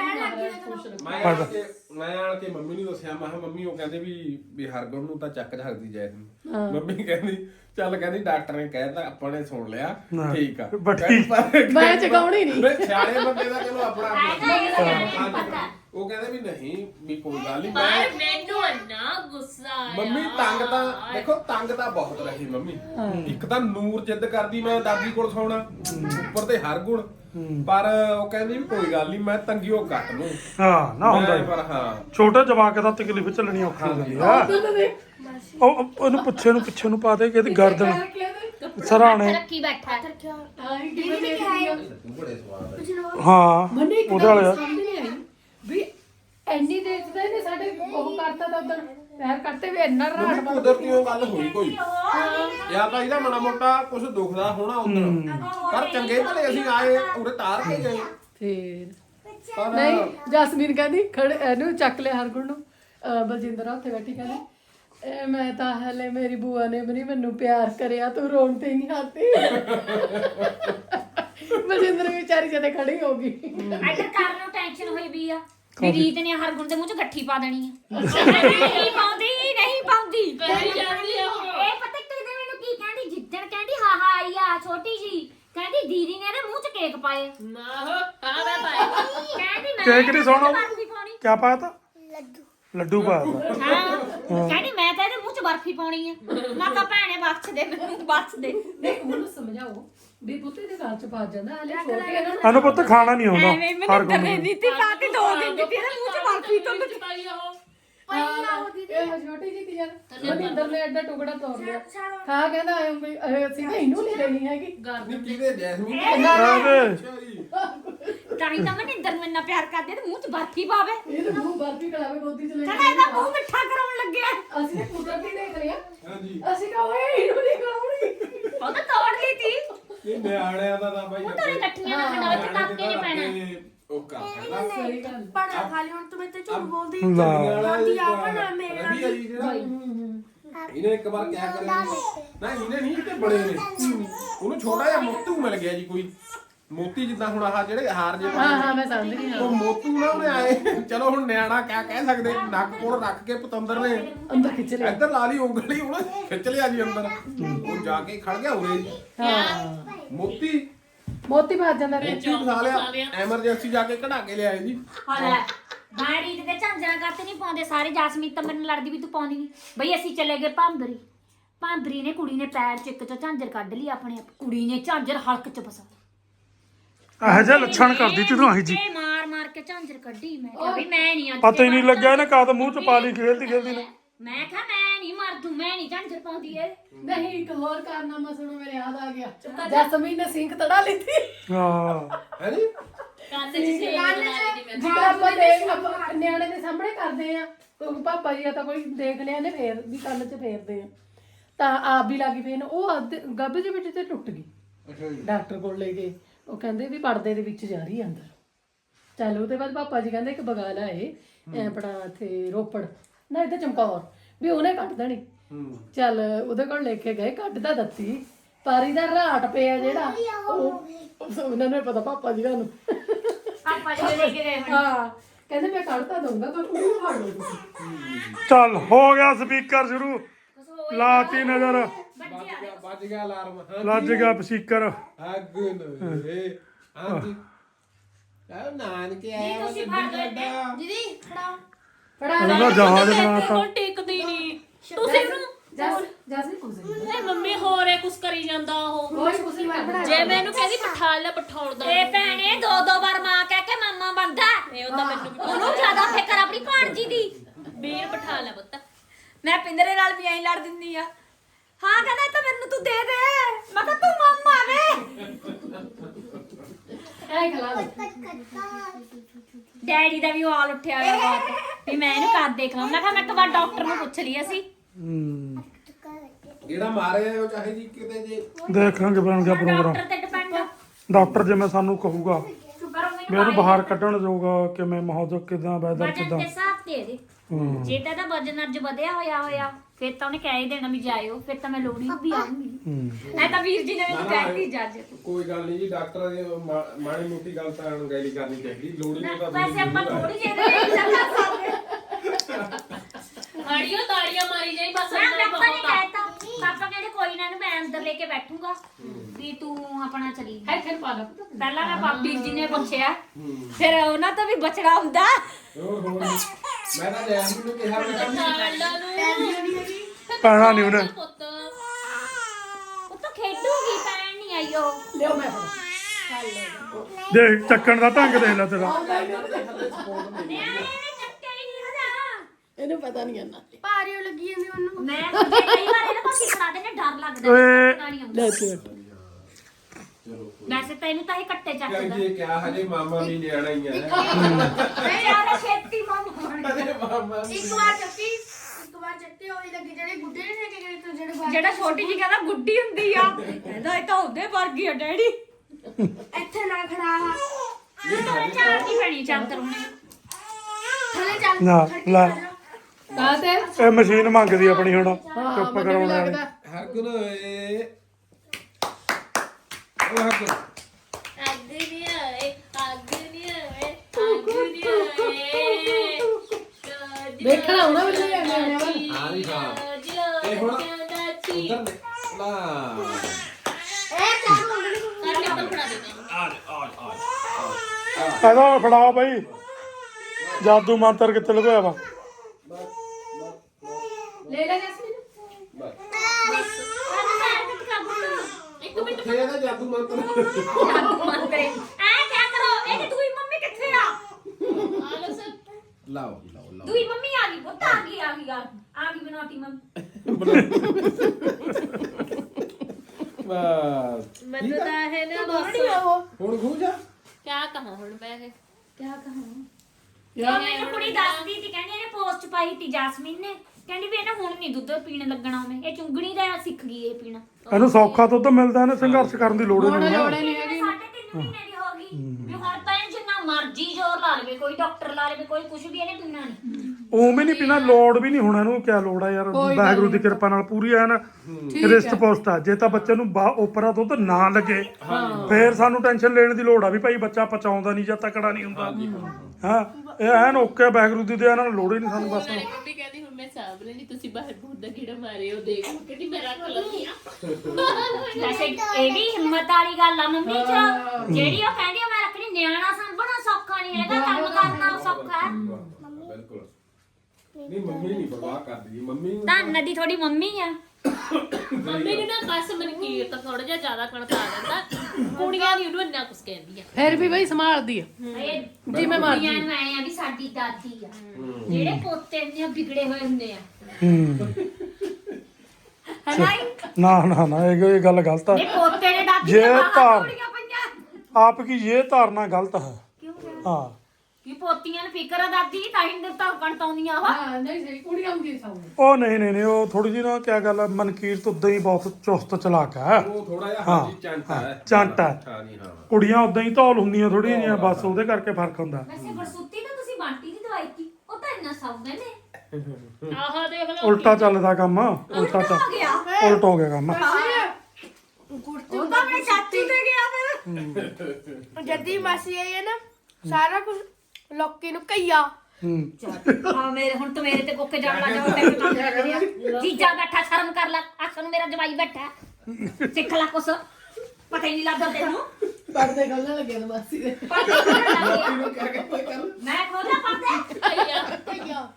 ਮੈਂ ਆਣ ਕੇ ਮੈਂ ਆਣ ਕੇ ਮੰਮੀ ਨੂੰ ਦੱਸਿਆ ਮੈਂ ਕਿਹਾ ਮੰਮੀ ਉਹ ਕਹਿੰਦੇ ਵੀ ਵੀ ਹਰਗੁਣ ਨੂੰ ਤਾਂ ਚੱਕ ਝਕਦੀ ਜੈਸਮੀਨ ਮੰਮੀ ਕਹਿੰਦੀ ਚੱਲ ਕਹਿੰਦੀ ਡਾਕਟਰ ਨੇ ਕਹਿਤਾ ਆਪਾਂ ਨੇ ਸੁਣ ਲਿਆ ਠੀਕ ਆ ਬਸ ਠੀਕ। ਪਰ- ਮੈਂ ਚਕਾਉਣੀ ਨਹੀਂ ਨਹੀਂ ਸਿਆਣੇ ਬੰਦੇ ਦਾ ਚਲੋ ਆਪਣਾ ਆਪਣਾ ਪਤਾ ਹਾਂਜੀ। ਉਹ ਕਹਿੰਦੇ ਵੀ ਨਹੀਂ ਵੀ ਕੋਈ ਗੱਲ ਨਹੀਂ ਪਰ ਮੈਂ ਮੈਨੂੰ ਇੰਨਾ ਗੁੱਸਾ ਆਇਆ ਮੰਮੀ ਤੰਗ ਤਾਂ ਦੇਖੋ ਤੰਗ ਤਾਂ ਬਹੁਤ ਰਹੀ ਮੰਮੀ ਇੱਕ ਤਾਂ ਨੂਰ ਜਿੱਦ ਕਰਦੀ ਮੈਂ ਦਾਦੀ ਕੋਲ ਸੌਣਾ ਉੱਪਰ ਤੇ ਹਰਗੁਣ ਪਰ ਉਹ ਕਹਿੰਦੀ ਵੀ ਕੋਈ ਗੱਲ ਨਹੀਂ ਮੈਂ ਤੰਗਿਓ ਕੱਟ ਲੂੰ ਹਾਂ ਨਾ ਹੁੰਦਾ ਮੈਂ ਹੀ। ਪਰ ਹਾਂ ਛੋਟੇ ਜਵਾਕ ਦਾ ਤਕਲੀਫ ਚੱਲਣੀ ਔਖੀ ਹੁੰਦੀ ਆ ਉਹ ਉਹ- ਉਹਨੂੰ ਪਿੱਛੇ ਨੂੰ ਪਿੱਛੇ ਨੂੰ ਪਾ ਦੇ ਕਿ ਇਹਦੀ ਗਰਦਨ ਸਰਾਣੇ ਰੱਖੀ ਬੈਠਾ ਦੀਦੀ ਨੇ ਕਿਹਾ ਹੈ ਤੂੰ ਬੜੇ ਸਵਾਦ ਹਾਂ ਮੰਨੇ ਇੱਕ ਉਹਦੇ ਗੱਲ ਵਾਲੇ ਸਮਝ ਨਹੀਂ ਆਈ ਵੀ ਐਨੀ ਦੇਰ ਚ ਤਾਂ ਇਹਨੇ ਸਾਡੇ ਉਹ ਕਰਤਾ ਤਾਂ ਉਦੋਂ ਪੈਰ ਕੱਟੇ ਵੀ ਇੰਨਾ ਰਾੜ ਮੰਮੀ ਕੁਦਰਤੀ ਉਹ ਗੱਲ ਹੋਈ ਕੋਈ ਜਾਂ ਤਾਂ ਇਹਦਾ ਮਾੜਾ ਮੋਟਾ ਕੁਝ ਦੁਖਦਾ ਹੋਣਾ ਉਧਰ ਪਰ ਚੰਗੇ ਭਲੇ ਅਸੀਂ ਆਏ ਉਰੇ ਤਾਰ ਕੇ ਗਏ ਫੇਰ ਪਰ ਨਹੀਂ ਜਸਮੀਨ ਕਹਿੰਦੀ ਖੜੇ ਇਹਨੂੰ ਚੱਕ ਲਿਆ ਹਰਗੁਣ ਨੂੰ ਅਹ ਬਲਜਿੰਦਰ ਉੱਥੇ ਬੈਠੀ ਕਹਿੰਦੀ ਇਹ ਮੈਂ ਤਾਂ ਹਲੇ ਮੇਰੀ ਬੂਆ ਨੇ ਵੀ ਮੈਨੂੰ ਪਿਆਰ ਕਰਿਆ ਤੂੰ ਰੋਣ ਤੇ ਨਹੀਂ ਆਤੀ ਬਲਜਿੰਦਰ ਵੀ ਵਿਚਾਰੀ ਜਦੇ ਖੜੀ ਹੋ ਗਈ ਇੱਧਰ ਕਰਨ ਨੂੰ ਟੈਨਸ਼ਨ ਹੋਈ ਵੀ ਆ ਵੀ ਰੀਤ ਨੇ ਹਰਗੁਣ ਦੇ ਮੂੰਹ 'ਚ ਗੱਠੀ ਪਾ ਦੇਣੀ ਆ ਨਹੀਂ ਪਾਉਂਦੀ ਨਹੀਂ ਪਾਉਂਦੀ ਕਹੀ ਜਾਂਦੀ ਆ ਉਹ ਇਹ ਪਤਾ ਕਿਹਦੇ ਮੈਨੂੰ ਕੀ ਕਹਿੰਦੀ ਜਿੱਦਣ ਕਹਿੰਦੀ ਹਾਂ ਹਾਂ ਆਈ ਆ ਛੋਟੀ ਜੀ ਕਹਿੰਦੀ ਦੀਦੀ ਨੇ ਇਹਦੇ ਮੂੰਹ 'ਚ ਕੇਕ ਪਾਏ ਨਾ ਹੋ ਆ ਮੈਂ ਪਾਇਆ ਕਹਿੰਦੀ ਮੈਂ ਕੇਕ ਨੀ ਸੋਹਣਾ। ਬਰਫੀ ਪਾਉਣੀ ਕਿਆ ਪਾਇਆ ਤਾ ਲੱਡੂ ਪਾਇਆ ਤਾ ਹਾਂ ਕਹਿੰਦੀ ਮੈਂ ਤਾਂ ਇਹਦੇ ਮੂੰਹ 'ਚ ਬਰਫੀ ਪਾਉਣੀ ਆ ਮੈਂ ਕਿਹਾ ਭੈਣੇ ਬਖਸ਼ ਦੇ ਮੈਨੂੰ ਬਖਸ਼ ਦੇ ਨਹੀਂ ਉਹਨੂੰ ਸਮਝਾਓ ਵੀ ਪੁੱਤੇ ਦੇ ਘਰ ਚ ਪਾ ਜਾਂਦਾ ਹਲੇ ਛੋਟੇ ਆ ਨਾ ਸਾਨੂੰ ਪੁੱਤ ਖਾਣਾ ਨਹੀਂ ਆਉਂਦਾ ਐਵੇਂ ਮੈਨੂੰ ਕਰਨੇ ਦਿੱਤੀ ਪਾ ਕੇ ਦੋ ਦਿਨ ਦਿੱਤੀ ਇਹਦੇ ਮੂੰਹ 'ਚ ਬਰਫੀ ਤੋਂ ਵਿੱਚ ਪਾਈ ਉਹ ਇਹ ਛੋਟੀ ਜੀ ਤੀ ਯਾਰ ਬਲਜਿੰਦਰ ਨੇ ਐਡਾ ਟੁਕੜਾ ਤੋੜ ਲਿਆ ਖਾ ਕਹਿੰਦਾ ਐਂ ਵੀ ਇਹ ਅਸੀਂ ਤਾਂ ਇਹਨੂੰ ਨਹੀਂ ਲੈਣੀ ਹੈਗੀ ਨਹੀਂ ਕਿਹਦੇ ਜੈਸਮੀਨ ਆਵੇ ਤਾਂ ਹੀ ਤਾਂ ਮੈਂ ਨਿੰਦਰ ਨੂੰ ਇੰਨਾ ਪਿਆਰ ਕਰਦੀ ਆ ਤੇ ਮੂੰਹ 'ਚ ਬਰਫੀ ਪਾਵੇ ਇਹ ਤਾਂ ਮੂੰਹ ਬਰਫੀ ਕਲਾਵੇ ਗੋਦੀ ਚ ਲੈ ਕਹਿੰਦਾ ਇਹਦਾ ਮੂੰਹ ਮਿੱਠਾ ਕਰਾਉਣ ਲੱਗਿਆ ਅਸੀਂ ਤਾਂ ਕੁਦਰਤੀ ਦੇਖ ਰਹੇ ਆ ਹਾਂਜੀ ਅਸੀਂ ਕਹਾਂ ਓਏ ਇਹਨੂੰ ਨਹੀਂ ਕਰਾਉਣੀ ਉਹ ਤਾਂ ਤੋੜ ਲਈ ਤੀ ਇਹ ਨਿਆਣਿਆਂ ਦਾ ਤਾਂ ਬਾਈ ਉਹ ਤਾਂ ਇਕੱਠੀਆਂ ਰੱਖਣਾ ਵਿੱਚ ਕਾਕੇ ਨਹੀਂ ਪੈਣਾ ਤੇ ਉਹ ਕਰ ਸਕਦਾ ਸਹੀ ਗੱਲ ਪੜਾ ਖਾ ਲਈ ਹੁਣ ਤੂੰ ਮੇਰੇ ਤੇ ਝੂਠ ਬੋਲਦੀ ਲਾ ਆਂਦੀ ਆ ਬਣਾ ਮੇਰੇ ਨਾਲ ਰਵੀ ਆ ਜੀ ਜਿਹੜਾ ਇਹਨੇ ਇੱਕ ਵਾਰ ਕਿਆ ਕਰਿਆ ਨਾ ਇਹਨੇ ਨਹੀਂ ਤੇ ਬੜੇ ਨੇ ਉਹਨੂੰ ਛੋਟਾ ਜਿਹਾ ਮੋਤੂ ਮਿਲ ਗਿਆ ਜੀ ਕੋਈ ਮੋਤੀ ਜਿੱਦਾਂ ਹੁਣ ਆਹ ਜਿਹੜੇ ਹਾਰ ਜੇ ਹਾਂ ਹਾਂ ਮੈਂ ਸਮਝ ਗਈ ਹਾਂ ਉਹ ਮੋਤੂ ਨਾ ਉਹਨੇ ਆਏ ਚਲੋ ਹੁਣ ਨਿਆਣਾ ਕਿਆ ਕਹਿ ਸਕਦੇ ਨੱਕ ਕੋਲ ਰੱਖ ਕੇ ਪਤੰਦਰ ਨੇ ਅੰਦਰ ਖਿੱਚ ਲਿਆ ਇੱਧਰ ਲਾ ਲਈ ਉਂਗਲੀ ਉਹਨੇ ਖਿੱਚ ਲਿਆ ਜੀ ਅੰਦਰ ਉਹ ਜਾ ਕੇ ਖੜ ਗਿਆ ਉਰੇ ਜੀ ਹਾਂ ਮੋਤੀ ਮੋਤੀ ਬਾਜ ਜਾਂਦਾ ਨੇ ਮੋਤੀ ਫਸਾ ਲਿਆ ਐਮਰਜੈਂਸੀ ਜਾ ਕੇ ਕਢਾ ਕੇ ਲਿਆਏ ਜੀ ਹਾਲੇ ਬਾੜੀ ਤੇ ਝਾਂਜਰਾਂ ਕਰਤੇ ਨਹੀਂ ਪਾਉਂਦੇ ਸਾਰੇ ਜਾਸਮੀਨ ਤਾਂ ਮੈਨੂੰ ਲੜਦੀ ਵੀ ਤੂੰ ਪਾਉਂਦੀ ਨਹੀਂ ਬਈ ਅਸੀਂ ਚਲੇ ਗਏ ਭਾਂਬਰੀ ਭਾਂਬਰੀ ਨੇ ਕੁੜੀ ਨੇ ਪੈਰ ਚ ਇੱਕ ਚ ਝਾਂਜਰ ਕੱਢ ਲਈ ਆਪਣੇ ਆਪ ਕੁੜੀ ਨੇ ਝਾਂਜਰ ਹਲਕ ਚ ਫਸਾ ਇਹੋ ਜਿਹਾ ਲੱਛਣ ਕਰਦੀ ਤੀ ਤੂੰ ਆਹੀ ਜੀ ਇਹ ਮਾਰ ਮਾਰ ਕੇ ਝਾਂਜਰ ਕੱਢੀ ਮੈਂ ਕਿਹਾ ਵੀ ਮੈਂ ਨਹੀਂ ਅੱਜ ਪਤਾ ਹੀ ਨਹੀਂ ਲੱਗਿਆ ਇਹਨੇ ਕਾਦ ਮੂੰਹ ਚ ਪਾ ਲਈ ਖੇਲਦੀ ਖੇਲਦੀ ਨੇ ਮੈਂ ਕਿਹਾ ਮੈਂ ਨਹੀਂ ਮਰ ਦੂੰ ਮੈਂ ਨਹੀਂ ਝਾਂਜਰ ਪਾਉਂਦੀ ਏ ਨਹੀਂ ਇੱਕ ਹੋਰ ਕਾਰਨਾਮਾ ਸੁਣੋ ਮੇਰੇ ਯਾਦ ਆ ਗਿਆ ਜਸਮੀਨ ਨੇ ਸਿੰਕ ਤੜਾ ਲਿੱਤੀ ਹਾਂ ਹੈ ਜੀ ਕੰਨ ਚ ਸੇਕ ਬਣਾ ਲਈ ਮੈਂ ਜਿਹੜਾ ਆਪਾਂ ਦੇਖ ਆਪਾਂ ਨਿਆਣੇ ਦੇ ਸਾਹਮਣੇ ਕਰਦੇ ਆ ਕੋਈ ਪਾਪਾ ਜੀ ਆ ਤਾਂ ਕੋਈ ਦੇਖ ਲਿਆ ਨੇ ਫੇਰ ਵੀ ਕੰਨ 'ਚ ਫੇਰਦੇ ਆ ਤਾਂ ਆਪ ਵੀ ਲੱਗੀ ਫੇਰ ਉਹ ਅੱਧ- ਗੱਭ ਦੇ ਵਿੱਚ ਤੇ ਟੁੱਟ ਗਈ ਅੱਛਾ ਜੀ ਡਾਕਟਰ ਕੋਲ ਲੈ ਗਏ ਉਹ ਕਹਿੰਦੇ ਵੀ ਪਰਦੇ ਦੇ ਵਿੱਚ ਜਾ ਰਹੀ ਆ ਅੰਦਰ ਚੱਲ ਉਹਦੇ ਬਾਅਦ ਪਾਪਾ ਜੀ ਕਹਿੰਦੇ ਇੱਕ ਬਗਾਲਾ ਏ ਐ ਆਪਣਾ ਇੱਥੇ ਰੋਪੜ ਨਾ ਇੱਥੇ ਚਮਕੌਰ ਵੀ ਉਹਨੇ ਕੱਢ ਦੇਣੀ ਹੂੰ ਚੱਲ ਉਹਦੇ ਕੋਲ ਲੈ ਕੇ ਗਏ ਕੱਢਦਾ ਦਿੱਤੀ ਪਰ ਇਹਦਾ ਰਾਟ ਪਿਆ ਜਿਹੜਾ ਉਹ ਉਹਨਾਂ ਨੂੰ ਪਤਾ ਪਾਪਾ ਜੀ ਨੂੰ ਆਪਾਂ ਜਿਹੜੇ ਲੈ ਕੇ ਗਏ ਹੁਣ ਹਾਂ ਕਹਿੰਦੇ ਮੈਂ ਕੱਢਤਾ ਦਊਂਗਾ ਪਰ ਕੁੜੀ ਨੂੰ ਫੜ ਲਓ ਤੁਸੀਂ ਚੱਲ ਹੋ ਗਿਆ ਸਪੀਕਰ ਸ਼ੁਰੂ ਲਾਤੀ ਨਜ਼ਰ ਵੱਜ ਗਿਆ ਵੱਜ ਗਿਆ ਅਲਾਰਮ ਲੱਜ ਗਿਆ ਸਪੀਕਰ ਅਗਨ ਏ ਹਾਂਜੀ ਆ ਨਾਨਕੇ ਆਇਆ ਤੁਸੀਂ ਫੜ ਲੈਂਦੇ ਦੀਦੀ ਖੜਾ ਫੜਾ ਉਹਦਾ ਜਹਾਜ਼ ਬਣਾਤਾ ਹੁਣ ਟਿਕਦੀ ਨਹੀਂ ਤੁਸੀਂ ਇਹਨੂੰ ਜਸ ਜਸ ਨਹੀਂ ਕੁਝ ਨਹੀਂ ਮੰਮੀ ਹੋਰ ਇਹ ਕੁਛ ਕਰੀ ਜਾਂਦਾ ਉਹ ਕੋਈ ਕੁਝ ਨਹੀਂ ਬਣਾ ਜੇ ਮੈਂ ਇਹਨੂੰ ਕਹਿੰਦੀ ਬਿਠਾ ਲੈ ਬਿਠਾਉਣ ਇਹ ਭੈਣੇ ਦੋ ਦੋ ਵਾਰ ਮਾਂ ਕਹਿ ਕੇ ਮਾਮਾ ਬਣਦਾ ਇਹ ਉਹਦਾ ਮੈਨੂੰ ਵੀ ਉਹਨੂੰ ਜ਼ਿਆਦਾ ਫਿਕਰ ਆਪਣੀ ਭਾਣਜੀ ਦੀ ਵੀਰ ਬਿਠਾ ਲੈ ਪੁੱਤ ਮੈਂ ਪਿੰਦਰੇ ਨਾਲ ਵੀ ਐਂ ਲੜ ਦਿੰਦੀ ਆ ਹਾਂ ਕਹਿੰਦਾ ਇਹ ਤਾਂ ਮੈਨੂੰ ਤੂੰ ਦੇ ਦੇ ਮੈਂ ਕਿਹਾ ਤੂੰ ਮਾਮਾ ਵੇ ਐ ਖਲਾ ਲੈ ਡੈਡੀ ਦਾ ਵੀ ਹਾਲ ਉੱਠਿਆ ਹੋਇਆ ਬਹੁਤ ਵੀ ਮੈਂ ਇਹਨੂੰ ਕਦ ਦੇਖ ਲਾਂ ਮੈਂ ਕਿਹਾ ਮੈਂ ਇੱਕ ਵਾਰ ਡਾਕਟਰ ਨੂੰ ਪੁੱਛ ਲਈ ਅਸੀਂ ਹੂੰ ਜਿਹੜਾ ਮਾਰੇ ਉਹ ਚਾਹੇ ਜੀ ਕਿਤੇ ਜੇ ਦੇਖਾਂਗੇ ਬਣ ਗਿਆ ਪ੍ਰੋਗਰਾਮ ਡਾਕਟਰ ਤੇ ਡਿਪੈਂਡ ਡਾਕਟਰ ਜਿਵੇਂ ਸਾਨੂੰ ਕਹੂਗਾ ਸ਼ੁਕਰ ਉਹ ਵੀ ਇਹਨੂੰ ਬਾਹਰ ਕੱਢਣ ਜਾਊਗਾ ਕਿਵੇਂ ਮਾਹੌਲ ਕਿਦਾਂ ਵੈਦਰ ਵਜਨ ਕਿਦਾਂ ਦੇ ਹਿਸਾਬ ਤੇ ਇਹਦੇ ਹੂੰ ਜੇ ਤਾਂ ਇਹਦਾ ਵਜਨ ਅੱਜ ਵਧਿਆ ਹੋਇਆ ਹੋਇਆ ਫਿਰ ਤਾਂ ਉਹਨੇ ਕਹਿ ਹੀ ਦੇਣਾ ਵੀ ਜਾਇਓ ਫਿਰ ਤਾਂ ਮੈਂ ਲੋੜੀ ਵੀ ਆਉਂਗੀ ਹੂੰ ਐ ਤਾਂ ਵੀਰ ਜੀ ਨੇ ਮੈਨੂੰ ਕਹਿਤੀ ਜੱਜ ਕੋਈ ਗੱਲ ਨਹੀਂ ਜੀ ਡਾਕਟਰ ਦੀ ਮਾ- ਮਾੜੀ ਮੋਟੀ ਗੱਲ ਤਾਂ ਅਣਗਹਿਲੀ ਕਰਨੀ ਚਾਹੀਦੀ ਲੋੜੀ ਨੂੰ ਤਾਂ ਵੈਸੇ ਆਪਾਂ ਥੋੜੀ ਜਿਹੀ ਇਹਦੇ ਨਾਲ ਕਰ ਸਕਦੇ ਤਾੜੀਆਂ ਤਾੜੀਆਂ ਮਾਰੀ ਜਾਈ ਬਸ ਮੈਂ ਅੰਦਰ ਪਾਪਾ ਨੇ ਬਹੁਤ ਆ ਕਹਿਤਾ ਪਾਪਾ ਕਹਿੰਦੇ ਕੋਈ ਨਾ ਇਹਨੂੰ ਮੈਂ ਅੰਦਰ ਲੈ ਕੇ ਬੈਠੂਗਾ ਵੀ ਤੂੰ ਆਪਣਾ ਚਲੀ ਜਾ। ਹੈ ਫਿਰ ਪਾ ਲੈ ਪਹਿਲਾਂ ਮੈਂ ਪਾਪੀ ਜੀ ਨੇ ਪੁੱਛਿਆ ਫਿਰ ਉਹਨਾਂ ਤੋਂ ਵੀ ਬਚਣਾ ਹੁੰਦਾ ਹੋਰ ਹੋਰ ਮੈਂ ਤਾਂ ਜੈਸਮੀਨ ਨੂੰ ਕਿਹਾ ਵੀ ਸਾਡਾ ਨੂੰ ਪੈਣਾ ਨਹੀਂ ਉਹਨੇ ਪੁੱਤ ਉਹ ਤਾਂ ਖੇਡੂਗੀ ਪੈਣ ਨਹੀਂ ਆਈਓ ਲਿਓ ਮੈਂ ਫੜਾ ਦੇਖ ਚੱਕਣ ਦਾ ਢੰਗ ਦੇਖ ਲੈ ਤੇਰਾ ਨਿਆਣੇ ਨੇ ਚੱਕਿਆ ਹੀ ਨਹੀਂ ਹਦਾ ਇਹਨੂੰ ਪਤਾ ਨਹੀਂ ਇੰਨਾ ਭਾਰੀ ਲੱਗੀ ਜਾਂਦੀ ਉਹਨੂੰ ਮੈਂ ਦੂਜੇ ਕਈ ਵਾਰ ਇਹਦੇ ਕੋਲ ਸਿਖਾ ਦੇਣੇ ਡਰ ਲੱਗਦਾ ਓਏ। ਪਤਾ ਨਹੀਂ ਆਉਂਦਾ ਲੈ ਤੂੰ ਚਲੋ ਵੈਸੇ ਤਾਂ ਇਹਨੂੰ ਤਾਂ ਇਹ ਕੱਟੇ ਚੱਕਦਾ ਕਰੀਏ ਕਿਆ ਹਜੇ ਮਾਮਾ ਵੀ ਨਿਆਣਾ ਹੀ ਹੈ ਨਹੀਂ ਯਾਰ ਛੇਤੀ ਮਾਮਾ ਹਜੇ ਮਾਮਾ ਵੀ ਇੱਕ ਵਾਰ ਚੱਪੀ ਇੱਕ ਬਾਹਰ ਚੱਕੇ ਹੋਈ ਲੱਗੀ ਜਿਹੜੇ ਗੁੱਡੇ ਨੇ ਠੇਕੇ ਕਰੇ ਤੇ ਜਿਹੜੇ ਬਾਹਰ ਜਿਹੜਾ ਛੋਟੀ ਜੀ ਕਹਿੰਦਾ ਗੁੱਡੀ ਹੁੰਦੀ ਆ ਕਹਿੰਦਾ ਇਹ ਤਾਂ ਉਹਦੇ ਵਰਗੀ ਆ ਡੈਡੀ ਇੱਥੇ ਨਾ ਖੜਾ ਆ ਚਾਰ ਦੀ ਪੈਣੀ ਚਾਦਰ ਹੁਣੇ ਥੱਲੇ ਚੱਲ ਨਾ ਲੈ ਕਾ ਤੇ ਇਹ ਮਸ਼ੀਨ ਮੰਗਦੀ ਆਪਣੀ ਹੁਣ ਹਾਂ ਚੁੱਪ ਮੈਨੂੰ ਵੀ ਕਰਾਉਣ ਵਾਲੀ ਲੱਗਦਾ ਹਰਗੁਣ ਓਏ ਉਹ ਹਰਗੁਣ ਅੱਗ ਨਹੀਂ ਆਏ ਅੱਗ ਨਹੀਂ ਆਏ ਅੱਗ ਨਹੀਂ ਆਏ ਦੇਖਣਾ ਉਹਨਾਂ ਵੇਲੇ ਆਣੇ ਆਣੇ ਵਾ ਹਾਂ ਵੀ ਹਾਂ ਇਹ ਹੁਣ ਉਧਰ ਨੇ ਲਾ ਇਹ ਚਾਰੂ ਹੁੰਦੀ ਕਰ ਲੈ ਪਕੜਾ ਦੇਣਾ ਆ ਆ ਆ ਇਹਦਾ ਫੜਾਓ ਬਈ ਜਾਦੂ ਮੰਤਰ ਕਿੱਥੇ ਲਗਾਇਆ ਵਾ ਲੈ ਲੈ ਜਸਮੀਨ ਇੱਕ ਮਿੰਟ ਕਿੱਥੇ ਇਹਦਾ ਜਾਦੂ ਮੰਤਰ ਮੰਤਰੇ ਐ ਕਿਆ ਕਰੋ ਇਹਦੀ ਦੂਈ ਮੰਮੀ ਕਿੱਥੇ ਆ ਆ ਲੋ ਸਰ ਲਾਓ ਜੀ, ਲਾਓ ਲਾਓ ਦੂਈ ਮੰਮੀ ਆ ਗਈ ਪੁੱਤ ਆ ਗਈ ਆ ਗਈ ਆ ਗਈ ਆ ਗਈ ਬਨੋਟੀ ਮੰਮੀ ਬਸ ਮੈਨੂੰ ਤਾਂ ਹੈ ਨਾ ਬਸ ਹੁਣ ਖੂ ਜਾ ਕਿਆ ਕਹਾਂ ਹੁਣ ਮੈਂ ਇਹ ਕਿਆ ਕਹਾਂ ਯਾਰ ਉਹ ਮੈਨੂੰ ਕੁੜੀ ਦੱਸਦੀ ਸੀ ਕਹਿੰਦੀ ਇਹਨੇ ਪੋਸਟ ਪਾਈ ਤੀ ਜਾਸਮੀਨ ਨੇ ਕਹਿੰਦੀ ਵੀ ਇਹਨੇ ਹੁਣ ਨਹੀਂ ਦੁੱਧ ਪੀਣ ਲੱਗਣਾ ਉਹਨੇ ਇਹ ਚੁੰਗਣੀ ਦਾ ਸਿੱਖ ਗਈ ਇਹ ਪੀਣਾ ਇਹਨੂੰ ਸੌਖਾ ਦੁੱਧ ਮਿਲਦਾ ਇਹਨੇ ਸੰਘਰਸ਼ ਕਰਨ ਦੀ ਲੋੜ ਹੀ ਹੁਣ ਨਹੀਂ ਲੋੜੇ ਨਹੀਂ ਹੈਗੀ ਸਾਢੇ ਤਿੰਨ ਮਹੀਨੇ ਦੀ ਹੋ ਗਈ ਵੀ ਹੁਣ ਤਾਂ ਇਹ ਜਿੰਨਾ ਮਰਜ਼ੀ ਜ਼ੋਰ ਲਾ ਲਵੇ ਕੋਈ ਡਾਕਟਰ ਲਾ ਲਵੇ ਕੋਈ ਕੁਝ ਵੀ ਇਹਨੇ ਪੀਣਾ ਨਹੀਂ ਉਵੇਂ ਨਹੀਂ ਪੀਣਾ ਲੋੜ ਵੀ ਨਹੀਂ ਹੋਣਾ ਇਹਨੂੰ ਕਿਆ ਲੋੜ ਆ ਯਾਰ ਵਾਹਿਗੁਰੂ ਦੀ ਕਿਰਪਾ ਨਾਲ ਪੂਰੀ ਐਨ ਰਿਸਟ ਪੋਸਟ ਆ ਜੇ ਤਾਂ ਬੱਚੇ ਨੂੰ ਬਾ ਉਪਰਾ ਦੁੱਧ ਨਾ ਲੱਗੇ ਫੇਰ ਸਾਨੂੰ ਟੈਨਸ਼ਨ ਲੈਣ ਦੀ ਲੋੜ ਆ ਵੀ ਭਾਈ ਬੱਚਾ ਪਚਾਉਂਦਾ ਨਹੀਂ ਜਾਂ ਤਕੜਾ ਨਹੀਂ ਹੁੰਦਾ ਹਾਂ ਇਹ ਐਨ ਓਕੇ ਵਾਹਿਗੁਰੂ ਦੀ ਦਇਆ ਨਾਲ ਲੋੜ ਹੀ ਨਹੀਂ ਸਾਨੂੰ ਬਸ ਮੇਰੀ ਮੰਮੀ ਕਹਿੰਦੀ ਹੁਣ ਮੈਂ ਸਾਂਭ ਲੈਣੀ ਤੁਸੀਂ ਬਾਹਰ ਬਹੁਤ ਦਾ ਕੀੜਾ ਮਾਰੇ ਹੋ ਦੇਖ ਕਹਿੰਦੀ ਮੈਂ ਰੱਖ ਲੱਗੀ ਆ ਵੈਸੇ ਇਹ ਵੀ ਹਿੰਮਤ ਵਾਲੀ ਗੱਲ ਆ ਮੰਮੀ ਚ ਜਿਹੜੀ ਉਹ ਕਹਿੰਦੀ ਆ ਮੈਂ ਰੱਖਣੀ ਨਿਆਣਾ ਸਾਂਭਣਾ ਸੌਖਾ ਨਹੀਂ ਹੈਗਾ ਕੰਮ ਕਰਨਾ ਸੌਖਾ ਹੈ ਬਿਲਕੁਲ ਨਹੀਂ ਮੰਮੀ ਨਹੀਂ ਪਰਵਾਹ ਕਰਦੀ ਜੀ ਮੰਮੀ ਨੂੰ ਧੰਨ ਦੀ ਥੋੜੀ ਮੰਮੀ ਆ ਮੰਮੀ ਨੂੰ ਨਾ ਬਸ ਮਨਕੀਰ ਤਾਂ ਥੋੜਾ ਜਿਹਾ ਜ਼ਿਆਦਾ ਕਣਤਾ ਦਿੰਦਾ ਕੁੜੀਆਂ ਦੀ ਉਹਨੂੰ ਇੰਨਾ ਕੁਛ ਕਹਿੰਦੀ ਆ ਫਿਰ ਵੀ ਬਈ ਸੰਭਾਲਦੀ ਆ ਇਹ ਜਿਵੇਂ ਮਰਜ਼ੀ ਕੁੜੀਆਂ ਨੂੰ ਐ ਆ ਵੀ ਸਾਡੀ ਦਾਦੀ ਆ ਜਿਹੜੇ ਪੋਤੇ ਨੇ ਵਿਗੜੇ ਹੋਏ ਹੁੰਦੇ ਆ ਹੂੰ ਹਨਾ ਹੀ? ਨਾ ਨਾ ਨਾ ਇਹ ਇਹ ਗੱਲ ਗਲਤ ਆ ਇਹ ਪੋਤੇ ਨੇ ਦਾਦੀ ਜੇ ਦੇ ਬਾਹਰ ਧਾਰ- ਕੁੜੀਆਂ ਪਈਆਂ ਆਪ ਕੀ ਇਹ ਧਾਰਨਾ ਗਲਤ ਹੈ ਕਿਉਂ ਹਾਂ ਕਿ ਪੋਤੀਆਂ ਨੂੰ ਫਿਕਰ ਆ ਦਾਦੀ ਦੀ ਤਾਂ ਹੀ ਤਾਂ ਕਣਤਾਉਂਦੀਆਂ ਵਾ ਹਾਂ ਨਹੀਂ ਸਹੀ ਕੁੜੀਆਂ ਹੁੰਦੀ ਸਾਊ ਉਹ ਨਹੀਂ ਨਹੀਂ ਨਹੀਂ ਉਹ ਥੋੜੀ ਜਿਹੀ ਨਾ ਕਿਆ ਗੱਲ ਆ ਮਨਕੀਰ ਤੋਂ ਉਦਾਂ ਹੀ ਬਹੁਤ ਚੁਸਤ ਚਲਾਕ ਹੈ ਉਹ ਥੋੜਾ ਜਿਹਾ ਹਾਂ, ਹਾਂਜੀ ਚੰਟਾ ਹੈ ਚੰਟ ਹੈ। ਹਾਂ ਨਹੀਂ ਹਾਂ ਕੁੜੀਆਂ ਉਦਾਂ ਹੀ ਧੌਲ ਹੁੰਦੀਆਂ ਥੋੜੀਆਂ ਜਿਹੀਆਂ ਬਸ ਉਹਦੇ ਕਰਕੇ ਫਰਕ ਹੁੰਦਾ ਵੈਸੇ ਬਰਸੁੱਤੀ ਤਾਂ ਤੁਸੀਂ ਬਾਂਟੀ ਦੀ ਦਵਾਈ ਕੀ ਉਹ ਤਾਂ ਇੰਨਾ ਸੌਂਦੇ ਨੇ ਆਹ ਦੇਖ ਲਓ ਉਲਟਾ ਚੱਲਦਾ ਕੰਮ ਉਲਟਾ ਚੱਲ ਹੋ ਗਿਆ ਉਲਟ ਹੋ ਗਿਆ ਕੰਮ ਉਹ ਤਾਂ ਆਪਣੇ ਚਾਚੂ ਤੇ ਗਿਆ ਫਿਰ ਜੱਦੀ ਮਾਸੀ ਆਈ ਹੈ ਨਾ ਸਾਰਾ ਕੁਝ ਲੋਕੀ ਨੂੰ ਕਈਆ ਹੂੰ ਹਾਂ ਮੇਰੇ ਹੁਣ ਤੂੰ ਮੇਰੇ ਤੇ ਕੋਕੇ ਜਾਣ ਲੱਗ ਜਾ ਤੇ ਕੰਮ ਕਰ ਰਿਹਾ ਜੀਜਾ ਬੈਠਾ ਸ਼ਰਮ ਕਰ ਲੈ ਆਖਰ ਨੂੰ ਮੇਰਾ ਜਵਾਈ ਬੈਠਾ ਸਿੱਖ ਲੈ ਕੁਛ ਪਤਾ ਹੀ ਨਹੀਂ ਲੱਗਦਾ ਤੈਨੂੰ ਪੜਦੇ ਗੱਲਾਂ ਲੱਗਿਆ ਨਾ ਮਾਸੀ ਦੇ ਪਤਾ ਹੀ ਨਹੀਂ ਲੱਗਦਾ ਮੈਂ ਖੋਦਾ ਪੜਦੇ ਕਈਆ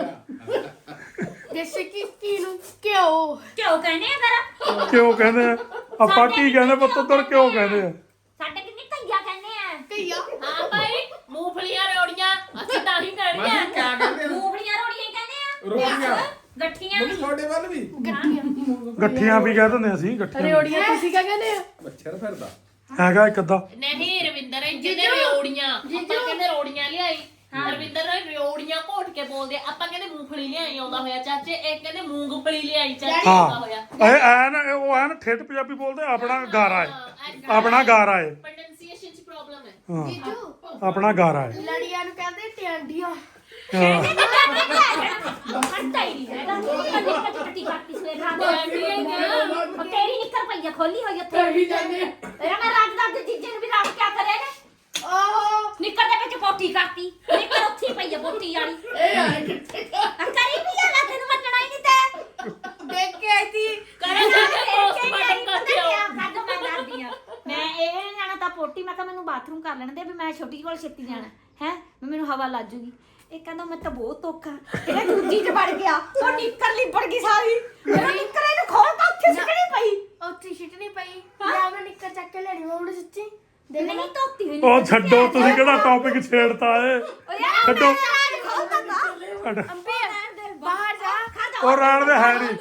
ਜੈਸੇ ਕਿ ਕੀ ਨੂੰ ਕਿਉਂ ਕਿਉਂ ਕਹਿੰਦੇ ਆ ਫਿਰ ਕਿਉਂ ਕਹਿੰਦੇ ਆ ਆਪਾਂ ਕੀ ਕਹਿੰਦੇ ਪੁੱਤ ਉੱਧਰ ਕਿਉਂ ਕਹਿੰਦੇ ਆ ਸਾਡੇ ਕਿੰਨੀ ਕਈਆ ਕਹਿੰਦੇ ਆ ਕਈਆ ਹਾਂ ਭਾਈ ਮੂੰਗਫਲੀਆਂ ਰੋੜੀਆਂ ਅਸੀਂ ਤਾਂ ਹੀ ਮਾਸੀ ਕਰਨੀਆਂ ਕਿਆ ਕਹਿੰਦੇ ਨੇ ਮੂੰਗਫਲੀਆਂ ਰੋੜੀਆਂ ਹੀ ਕਹਿੰਦੇ ਆ ਰੋਟੀਆਂ ਗੱਠੀਆਂ ਮੰਮੀ ਤੁਹਾਡੇ ਵੱਲ ਵੀ ਗੱਠੀਆਂ ਵੀ ਕਹਿ ਦਿੰਦੇ ਅਸੀਂ ਗੱਠੀਆਂ ਰੇੜੀਆਂ ਤੁਸੀਂ ਕਿਆ ਕਹਿੰਦੇ ਆ ਮੱਛਰ ਫਿਰਦਾ ਹੈਗਾ ਇੱਕ ਅੱਧਾ ਨਹੀਂ ਰਵਿੰਦਰ ਜਿਹਨੇ ਰੋੜੀਆਂ ਆਪਾਂ ਕਹਿੰਦੇ ਰੋੜੀਆਂ ਲਿਆਈ ਰਵਿੰਦਰ ਰੋੜੀਆਂ ਘੋਟ ਕੇ ਬੋਲਦੇ ਆਪਾਂ ਕਹਿੰਦੇ ਮੂੰਗਫਲੀ ਲਿਆਈ ਆਉਂਦਾ ਹੋਇਆ ਚਾਚੇ ਇਹ ਕਹਿੰਦੇ ਮੂੰਗਫਲੀ ਲਿਆਈ ਚਾਚੇ ਆਉਂਦਾ ਹੋਇਆ ਹਾਂ ਇਹ ਐਨ ਉਹ ਐਨ ਠੇਠ ਪੰਜਾਬੀ ਬੋਲਦੇ ਆਪਣਾ ਗਾਰਾ ਹੈ ਆਪਣਾ ਗਾਰਾ ਹੈ ਪ੍ਰੋਨੰਸੀਏਸ਼ਨ ਚ ਪ੍ਰੋਬਲਮ ਹੈ ਹਾਂ ਜੀਜੂ ਆਪਣਾ ਗਾਰਾ ਹੈ ਲੜੀਆਂ ਨੂੰ ਕਹਿੰਦੇ ਟਿਆਂਡੀਆਂ ਹਾਂ ਹਟਦਾ ਹੀ ਨਹੀਂ ਹੈਗਾ ਨਿੱਕਰ ਚਪਟੀ ਕਰਤੀ ਸਵੇਰ ਰਾਤ ਉਹ ਤੇਰੀ ਨਿੱਕਰ ਪਈਆ ਖੋਲੀ ਹੋਈ ਉੱਥੇ ਵੀ ਜਾਂਦੇ ਆ। ਤੇਰਾ ਮੈਂ ਰਾਜ ਦਾ ਜੀਜੇ ਨੂੰ ਵੀ ਰਾਤ ਕਿਆ ਕਰੇ ਨੇ ਓਹ ਨਿੱਕਰ ਦੇ ਵਿੱਚ ਪੋਟੀ ਕਰਤੀ ਨਿੱਕਰ ਉੱਥੇ ਹੀ ਪਈ ਆ ਪੋਟੀ ਵਾਲੀ ਇਹ ਆ ਕਿੱਥੇ ਆ ਕਰੀ ਵੀ ਆ ਨਾ ਤੈਨੂੰ ਮੰਨਣਾ ਹੀ ਨਹੀਂ ਤੇ ਦੇਖ ਕੇ ਆਈ ਸੀ ਕਰੇ ਜਾ ਕੇ ਪੋਸਟਮਾਰਟਮ ਕਰਦੇ ਹੋ ਸਾਡਾ ਮੈਂ ਕਰਦੀ ਆ ਮੈਂ ਇਹ ਨੀ ਜਾਣਾ ਤਾਂ ਪੋਟੀ ਮੈਂ ਕਿਹਾ ਮੈਨੂੰ ਬਾਥਰੂਮ ਕਰ ਲੈਣ ਦੇ ਵੀ ਮੈਂ ਛੋਟੀ ਕੋਲ ਛੇਤੀ ਜਾਣਾ ਹੈ ਮੈਨੂੰ ਹਵਾ ਲੱਜ ਜੂਗੀ ਇਹ ਕਹਿੰਦਾ ਮੈਂ ਤਾਂ ਬਹੁਤ ਔਖਾ ਇਹ ਦੂਜੀ ਚ ਵੜ ਗਿਆ ਉਹ ਨਿੱਕਰ ਲਿਪੜ ਗਈ ਸਾਰੀ ਮੇਰਾ ਨਿੱਕਰ ਇਹਨੂੰ ਖੋਲ ਤਾਂ ਉੱਥੇ ਸਿੱਟਣੀ ਪਈ ਉੱਥੇ ਛਿੱਟ ਨਹੀਂ ਪਈ ਯਾ ਮੈਂ ਨਿੱਕਰ ਚੱਕ ਕੇ ਲੈਣੀ ਮੈਂ ਹੁਣ ਸੱਚੀ ਦੇਖ ਨਹੀਂ ਧੋਤੀ ਹੋਈ ਉਹ ਛੱਡੋ ਤੁਸੀਂ ਕਿਹੜਾ ਟੌਪਿਕ ਛੇੜਤਾ ਏ ਉਹ ਯਾਰ ਛੱਡੋ ਖੋਲ ਤਾਂ ਅੰਬੀ ਬਾਹਰ ਜਾ ਉਹ ਰਹਿਣ ਦੇ ਹੈ ਨਹੀਂ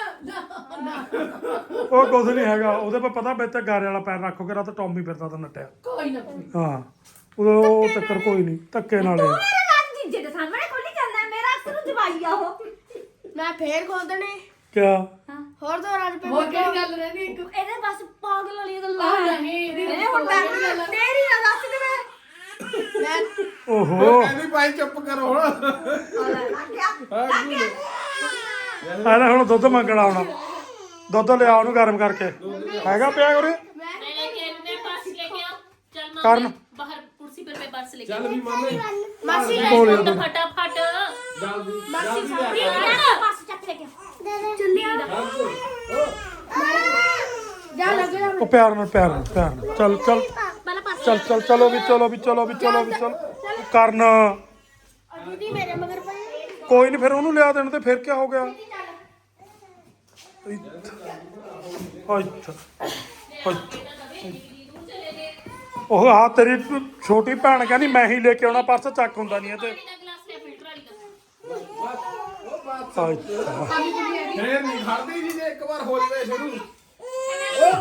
ਉਹ ਕੁਝ ਨਹੀਂ ਹੈਗਾ ਉਹਦੇ ਪਰ ਪਤਾ ਬੇ ਤੇ ਗਾਰੇ ਵਾਲਾ ਪੈਰ ਰੱਖੋ ਕੇ ਰਾਤ ਟੌਮੀ ਫਿਰਦਾ ਤਾਂ ਨੱਟਿਆ ਕੋਈ ਨਾ ਕੋਈ ਹਾਂ ਉਹ ਚੱਕਰ ਕੋਈ ਨਹੀਂ ਧੱਕੇ ਨਾਲ ਤੂੰ ਇਹ। ਮੇਰੇ ਨਾਲ ਜੀਜੇ ਦੇ ਸਾਹਮਣੇ ਖੋਲੀ ਜਾਂਦਾ ਮੇਰਾ ਅਕਸਰ ਜਵਾਈ ਆ ਉਹ ਮੈਂ ਫੇਰ ਖੋਦਣੇ ਕਿਆ ਹੋਰ ਦੋ ਰਾਜ ਪੇ ਹੋਰ ਕਿਹੜੀ ਗੱਲ ਰਹਿੰਦੀ ਇੱਕ ਇਹਦੇ ਬਸ ਪਾਗਲ ਵਾਲੀ ਗੱਲਾਂ ਆ ਨਹੀਂ ਇਹਦੀ ਇਹ ਹੁਣ ਤਾਂ ਤੇਰੀ ਨਾ ਦੱਸ ਦੇ ਮੈਂ ਮੈਂ ਓਹੋ ਕਹਿੰਦੀ ਭਾਈ ਚੁੱਪ ਕਰੋ ਹੁਣ ਆਲੇ ਹੁਣ ਦੁੱਧ ਮੰਗਣਾ ਆਉਣਾ ਦੁੱਧ ਲਿਆ ਉਹਨੂੰ ਗਰਮ ਕਰਕੇ ਹੈਗਾ ਪਿਆ ਉਰੇ नहीं लेके मैं पर्स लेके आओ चल ਕਰਨ मम्मी बाहर कुर्सी पर मैं पर्स लेके ਚੱਲ ਵੀ ਮਾਮੇ ਮਾਸੀ ਕੋਲੇ आओ फटाफट ਜਲਦੀ ਮਾਸੀ ਜਲਦੀ ਬਸ ਚੱਕ ਲੈ ਕੇ ਚੱਲਿਆ ਜਾ ਲੱਗ ਜਾ ਉਹ ਪਿਆਰ ਨਾਲ ਪਿਆਰ ਨਾਲ ਪਿਆਰ ਨਾਲ ਚੱਲ ਚੱਲ ਪਹਿਲਾਂ ਪਾਸ ਚੱਲ ਚੱਲ ਚਲੋ ਵੀ ਚਲੋ ਵੀ ਚਲੋ ਵੀ ਚਲੋ ਵੀ ਚਲ ਕਰਨ ਦੀਦੀ ਮੇਰੇ ਮਗਰ ਪਈ ਕੋਈ ਨਹੀਂ ਫਿਰ ਉਹਨੂੰ ਲਿਆ ਦੇਣ ਤੇ ਫਿਰ ਕੀ ਹੋ ਗਿਆ ਅੱਛਾ ਅੱਛਾ ਉਹ ਆ ਤੇਰੀ ਛੋਟੀ ਭੈਣ ਕਹਿੰਦੀ ਮੈਂ ਹੀ ਲੈ ਕੇ ਆਉਣਾ ਪਰਸ ਚੱਕ ਹੁੰਦਾ ਨਹੀਂ ਇਹ ਤੇ गिलास ले फिल्टर वाली का ਅੱਛਾ ਫੇਰ ਨਹੀਂ ਖੜਦੀ ਜੀ ਜੇ ਇੱਕ ਵਾਰ ਹੋ ਜਵੇ ਸ਼ੁਰੂ ਉਹ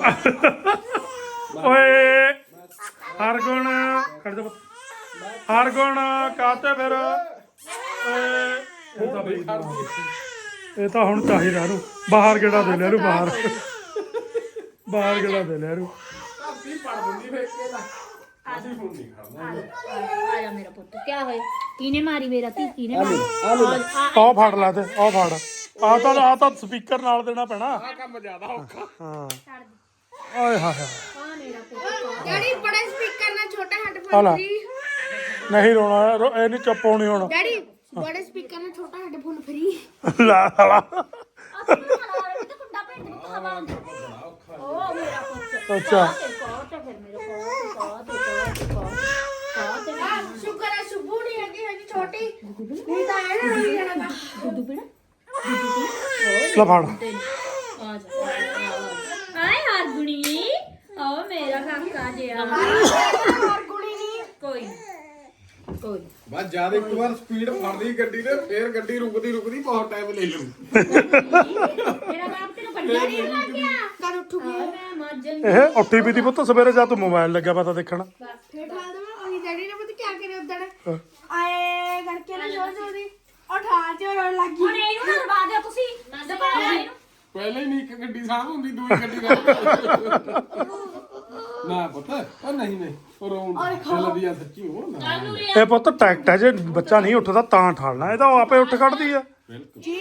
ਬਸ ਓਏ ਹਰਗੁਣ ਖੜ ਜਾ ਪੁੱਤ। ਹਰਗੁਣ ਕਾਤੇ ਫਿਰ ਓਏ ਇਹ ਤਾਂ ਬਈ ਇਹ ਤਾਂ ਹੁਣ ਚਾਹੀਦਾ ਇਹਨੂੰ ਬਾਹਰ ਗੇੜਾ ਦੇ ਲੈ ਇਹਨੂੰ ਬਾਹਰ ਬਾਹਰ ਗੇੜਾ ਦੇ ਲੈ ਇਹਨੂੰ ਧਰਤੀ ਪੜ ਦਿੰਦੀ ਫੇਰ ਕੇ ਦਾ ਅਸੀਂ ਹੁਣ ਨਹੀਂ ਖੜਨਾ ਆ ਜਾ ਮੇਰਾ ਪੁੱਤ ਕੀ ਹੋਇਆ ਕਿਨੇ ਮਾਰੀ ਮੇਰਾ ਧੀ ਕਿਨੇ ਮਾਰੀ ਆਹ ਫੜ ਲੈ ਤੇ ਆਹ ਫੜ ਆ ਤਾਂ ਆ ਤਾਂ ਸਪੀਕਰ ਨਾਲ ਦੇਣਾ ਪੈਣਾ ਆ ਕੰਮ ਜ਼ਿਆਦਾ ਔਖਾ ਹਾਂ ਓਏ ਹਾਏ ਹਾਏ ਆ ਮੇਰਾ ਪੁੱਤ ਡੈਡੀ ਬੜੇ ਸਪੀਕਰ ਨਾਲ ਛੋਟਾ ਆ ਹੈਡਫੋਨ ਲੈ। ਫ੍ਰੀ ਨਹੀਂ ਰੋਣਾ ਰੋ- ਇਹ ਨਹੀਂ ਚੁੱਪ ਹੋਣੀ ਹੁਣ ਡੈਡੀ ਬੜੇ ਸਪੀਕਰ ਨਾਲ ਛੋਟਾ ਹੈਡਫੋਨ ਫ੍ਰੀ ਲਾ ਸਾਲਾ ਆ ਤੂੰ ਨਾ ਰੇ ਤੇ ਕੁੰਡਾ ਭੇਜ ਦੇ ਹਵਾ ਆਉਂਦੀ ਓ ਮੇਰਾ ਪੁੱਤ ਅੱਛਾ ਕੋ ਤੇ ਫਿਰ ਮੇਰੇ ਕੋ ਕੋ ਤੇ ਕੋ ਕੋ ਤੇ ਆ ਸ਼ੁਕਰ ਹੈ ਸ਼ੁਭੂ ਨਹੀਂ ਹੈਗੀ ਹੈਗੀ ਛੋਟੀ ਨਹੀਂ ਤਾਂ ਇਹ ਨਾ ਨਹੀਂ ਜਾਣਾ ਦੁੱਧ ਪੀਣਾ ਲੈ ਫੜ ਆ ਜਾ ਆਏ ਹਾਰ ਗੁਣੀ ਓ ਮੇਰਾ ਕਾਕਾ ਜਿਆ ਹੋਰ ਕੁੜੀ ਨਹੀਂ ਕੋਈ ਕੋਈ ਬਸ ਜਿਆਦਾ ਇੱਕ ਵਾਰ ਸਪੀਡ ਫੜਦੀ ਗੱਡੀ ਨੇ ਫੇਰ ਗੱਡੀ ਰੁਕਦੀ ਰੁਕਦੀ ਬਹੁਤ ਟਾਈਮ ਲੈ ਲੂ ਮੇਰਾ ਬਾਪ ਤੈਨੂੰ ਵੱਡਾ ਨਹੀਂ ਲੱਗ ਗਿਆ ਕਦ ਉੱਠੂਗੀ ਮੈਂ ਮੱਜਨ ਇਹ ਉੱਠੀ ਵੀ ਦੀ ਪੁੱਤ ਸਵੇਰੇ ਜਾ ਤੂੰ ਮੋਬਾਈਲ ਲੱਗਿਆ ਪਤਾ ਦੇਖਣ ਫੇਰ ਠਾਲ ਦਵਾਂ ਉਹੀ ਡੈਡੀ ਨੇ ਪਤਾ ਕੀ ਕਰੇ ਉਦਣ ਆਏ ਕਰਕੇ ਨਾ ਜੋਰ ਜੋਰ ਦੀ ਉਠਾ ਤੇ ਰੋਣ ਲੱਗ ਗਈ ਹੁਣ ਇਹਨੂੰ ਨਾ ਦਬਾ ਦਿਓ ਤੁਸੀਂ ਦਬਾ ਦਿਓ ਇਹਨੂੰ ਪਹਿਲੇ ਨਹੀਂ ਇੱਕ ਗੱਡੀ ਸਾਂਭ ਹੁੰਦੀ ਦੂਜੀ ਗੱਡੀ ਨਾਲ ਨਾ ਪੁੱਤ ਉਹ ਨਹੀਂ ਨਹੀਂ ਉਹ ਰੋਣ ਚੱਲਦੀ ਆ ਸੱਚੀ ਉਹ ਨਾ ਇਹ ਪੁੱਤ ਟੈਕਟ ਹੈ ਜੇ ਬੱਚਾ ਨਹੀਂ ਉੱਠਦਾ ਤਾਂ ਠਾਲਣਾ ਇਹ ਤਾਂ ਉਹ ਆਪੇ ਉੱਠ ਖੜਦੀ ਆ ਜੀ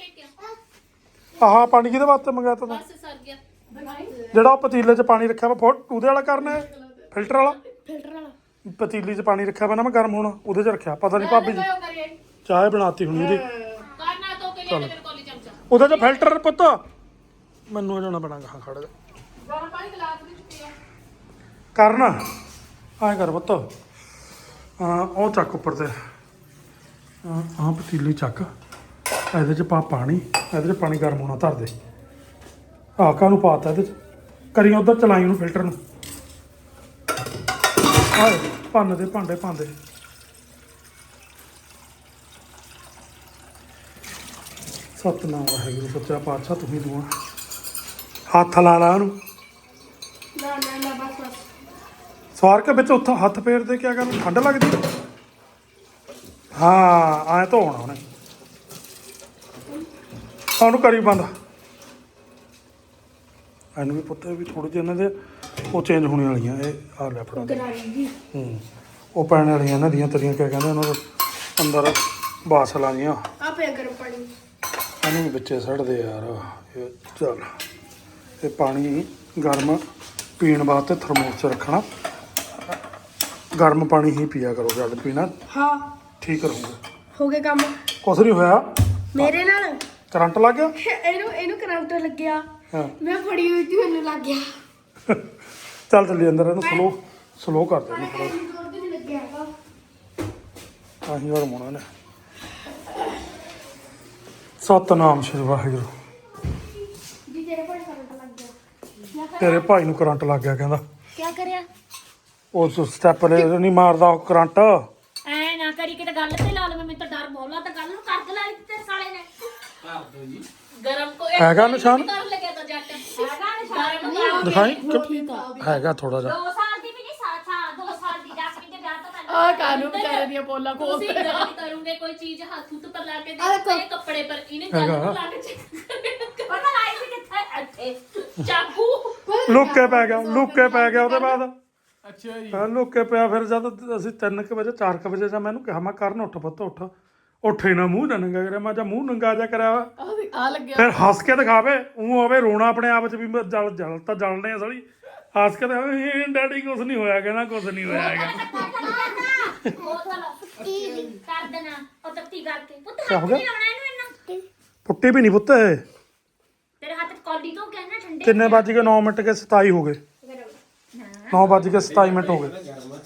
ਆਹ ਪਾਣੀ ਕਿਹਦੇ ਵਾਸਤੇ ਮੰਗਾਇਆ ਤਾ ਤੂੰ से सर गया ਜਿਹੜਾ ਉਹ ਪਤੀਲੇ 'ਚ ਪਾਣੀ ਰੱਖਿਆ ਵਾ ਫੋ- ਉਹਦੇ ਵਾਲਾ ਕਰਨਾ ਹੈ ਫਿਲਟਰ ਵਾਲਾ ਫਿਲਟਰ ਵਾਲਾ ਪਤੀਲੀ 'ਚ ਪਾਣੀ ਰੱਖਿਆ ਵਾ ਨਾ ਮੈਂ ਗਰਮ ਹੋਣਾ ਉਹਦੇ 'ਚ ਰੱਖਿਆ ਪਤਾ ਨਹੀਂ ਭਾਬੀ ਜੀ ਚਾਹ ਬਣਾਤੀ ਹੋਣੀ ਉਹਦੀ करना तो के लिए मेरे को ले चमचा ਉਹਦੇ 'ਚ ਫਿਲਟਰ ਪੁੱਤ ਮੈਨੂੰ ਜਾਣਾ ਪੈਣਾ ਗਾ ਖੜ ਜਾ गरम पानी गिलास भी चुके हैं ਕਰਨਾ ਐਂ ਕਰ ਪੁੱਤ ਹਾਂ ਉਹ ਚੱਕ ਉੱਪਰ ਤੇ ਹਾਂ ਆਹ ਪਤੀਲੀ ਚੱਕ ਇਹਦੇ 'ਚ ਪਾ ਪਾਣੀ ਇਹਦੇ 'ਚ ਪਾਣੀ ਗਰਮ ਹੋਣਾ ਧਰ ਦੇ ਆਹ ਕਾਹਨੂੰ ਪਾਤਾ ਇਹਦੇ 'ਚ ਕਰੀ ਉਧਰ ਚਲਾਈ ਉਹਨੂੰ ਫਿਲਟਰ ਨੂੰ ਆਏ ਭੰਨ ਦੇ ਭਾਂਡੇ ਭਾਂਦੇ ਸਤਨਾਮ ਵਾਹਿਗੁਰੂ ਸੱਚਾ ਪਾਤਸ਼ਾਹ ਤੁਸੀਂ ਦੁਆ ਹੱਥ ਲਾ ਲਾ ਉਹਨੂੰ ਨਾ ਨਾ ਨਾ ਬਸ ਬਸ ਸਵਾਰ ਕੇ ਵਿੱਚ ਉੱਥੇ ਹੱਥ ਫੇਰ ਦੇ ਕਿਆ ਕਰਨਾ ਠੰਡ ਲੱਗਦੀ ਹਾਂ ਐ ਧੋਣਾ ਉਹਨੇ ਉਹਨੂੰ ਕਰੀ ਬੰਦ ਇਹਨੂੰ ਵੀ ਪੁੱਤ ਵੀ ਥੋੜੇ ਜਿਹੇ ਇਹਨਾਂ ਦੇ ਉਹ ਚੇਂਜ ਹੋਣੇ ਵਾਲੀਆਂ ਇਹ ਆ ਲੈ ਫੜਾ ਦੇ। ਗਰਾਰੀ ਹੂੰ ਉਹ ਪੈਣ ਵਾਲੀਆਂ ਇਹਨਾਂ ਦੀਆਂ ਤਰੀਆਂ ਕਿਆ ਕਹਿੰਦੇ ਉਹਨਾਂ ਦੇ ਅੰਦਰ ਬਾਸਲਾਂ ਜੀਆਂ ਆ ਪਿਆ ਗਰਮ ਪਾਣੀ ਇਹਨੂੰ ਵੀ ਵਿੱਚੇ ਸੜਦੇ ਯਾਰ ਇਹ ਚੱਲ ਇਹ ਪਾਣੀ ਗਰਮ ਪੀਣ ਵਾਸਤੇ ਥਰਮੋਸ 'ਚ ਰੱਖਣਾ ਗਰਮ ਪਾਣੀ ਹੀ ਪੀਆ ਕਰੋ ਜਦ ਪੀਣਾ ਹਾਂ ਠੀਕ ਰਹੂਗਾ ਹੋ ਗਿਆ ਕੰਮ ਕੁਛ ਨਹੀਂ ਹੋਇਆ ਮੇਰੇ ਨਾਲ ਕਰੰਟ ਲੱਗ ਗਿਆ ਇਹਨੂੰ ਇਹਨੂੰ ਕਰੰਟ ਲੱਗਿਆ ਹਾਂ ਮੈਂ ਫੜੀ ਹੋਈ ਸੀ ਮੈਨੂੰ ਲੱਗ ਗਿਆ ਚੱਲ ਚੱਲੀ ਅੰਦਰ ਇਹਨੂੰ ਸਲੋ ਸਲੋ ਕਰ ਦੇ ਇਹਨੂੰ ਥੋੜ੍ਹਾ। ਜ਼ੋਰ ਵੀ ਨਹੀਂ ਲੱਗਿਆ ਹੈਗਾ ਆਹੀ ਹੋਰ ਮੋਣਾ ਨੇ ਸਤਨਾਮ ਸ਼੍ਰੀ ਵਾਹਿਗੁਰੂ ਜੀ ਤੇਰੇ ਕੋਲ ਕਰੰਟ ਲੱਗ ਗਿਆ ਤੇਰੇ ਭਾਈ ਨੂੰ ਕਰੰਟ ਲੱਗ ਗਿਆ ਕਹਿੰਦਾ ਕੀ ਕਰਿਆ ਉਸ ਸਟੈਪ ਲੈ ਨਹੀਂ ਮਾਰਦਾ ਉਹ ਕਰੰਟ ਐ ਨਾ ਕਰੀ ਕਿਤੇ ਗੱਲ ਤੇ ਲਾ ਲਵੇਂ ਮੈਨੂੰ ਤਾਂ ਡਰ ਬੋਲਾ ਤਾਂ ਗੱਲ ਨੂੰ ਕਰ ਲਾ ਤੇ ਸਾਲੇ ਨੇ गरम को हैगा निशान? कर लगे तो जट ਹੈਗਾ ਨਿਸ਼ਾਨ ਦਿਖਾਈ ਕਿ- ਹੈਗਾ ਥੋੜਾ ਜਿਹਾ ਦੋ ਸਾਲ ਦੀ ਵੀ ਨਹੀਂ ਸਾਲ ਸਾਲ ਦੋ ਸਾਲ ਦੀ ਜਸਮੀਨ ਦੇ ਵਿਆਹ ਤੋਂ ਪਹਿਲਾਂ ਆ ਕਾਨੂੰ ਵਿਚਾਰੇ ਦੀਆਂ ਪੋਲਾਂ ਤੁਸੀਂ ਖੋਲਦੇ ਆ। ਗੱਲ ਕਰੋਗੇ ਕੋਈ ਚੀਜ਼ ਹੱਥ ਉੱਤ ਪਰ ਲਾ ਕੇ ਦੇਖੋ ਇਹ ਕੱਪੜੇ ਪਰ ਇਹਨੇ ਗੱਲ ਨੂੰ ਲਾ ਕੇ check ਪਤਾ ਲਾਈ ਸੀ ਕਿੱਥੇ ਇੱਥੇ ਚਾਕੂ ਲੁੱਕੇ ਪੈ ਗਿਆ ਲੁੱਕੇ ਪੈ ਗਿਆ ਉਹਦੇ ਬਾਅਦ ਅੱਛਾ ਜੀ ਹਾਂ ਲੁੱਕੇ ਪਿਆ ਫਿਰ ਜਦ ਅਸੀਂ ਤਿੰਨ ਕੁ ਵਜੇ ਚਾਰ ਕੁ ਵਜੇ ਜਾਂ ਮੈਨੂੰ ਕਿਹਾ ਮੈਂ ਕਰਨ ਉੱਠ ਪੁੱਤ ਉੱਠ ਉੱਠੇ ਨਾ ਮੂੰਹ ਨਾ ਨੰਗਾ ਕਰਿਆ ਮੈਂ ਜਾਂ ਮੂੰਹ ਨੰਗਾ ਜਾ ਕਰਿਆ ਵਾ ਆ ਵੀ- ਆ ਲੱਗਿਆ ਫਿਰ ਹੱਸ ਕੇ ਦਿਖਾਵੇ ਉਹ ਆਵੇ ਰੋਣਾ ਆਪਣੇ ਆਪ ਚ ਵੀ ਮੈਂ ਜਲ ਜਲ ਤਾਂ ਜਲਣੇ ਆ ਸਾਲੀ ਹੱਸ ਕੇ ਦਿਖਾਵੇ ਡੈਡੀ ਕੁਛ ਨਹੀਂ ਹੋਇਆ ਕਹਿੰਦਾ ਕੁਛ ਨਹੀਂ ਹੋਇਆ ਹੈਗਾ ਉਹ ਚਲ ਕਰ ਦੇਣਾ ਉਹ ਤੱਤੀ ਕਰਕੇ ਪੁੱਤ ਕਿਆ ਹੱਥ ਹੋ ਗਿਆ? ਨਹੀਂ ਲਾਉਣਾ ਇਹਨੂੰ ਇੰਨਾ ਪੁੱਟੀ ਵੀ ਨਹੀਂ ਪੁੱਤ ਇਹ। ਤੇਰੇ ਹੱਥ 'ਚ ਕੌਲੀ ਤੋਂ ਕਹਿਣਾ ਠੰਡੇ ਕਿੰਨੇ ਵੱਜ ਗਏ ਨੌ ਮਿੰਟ ਕੇ ਸਤਾਈ ਹੋ ਗਏ ਨੌ ਵੱਜ ਕੇ ਸਤਾਈ ਮਿੰਟ ਹੋ ਗਏ ਗਰਮ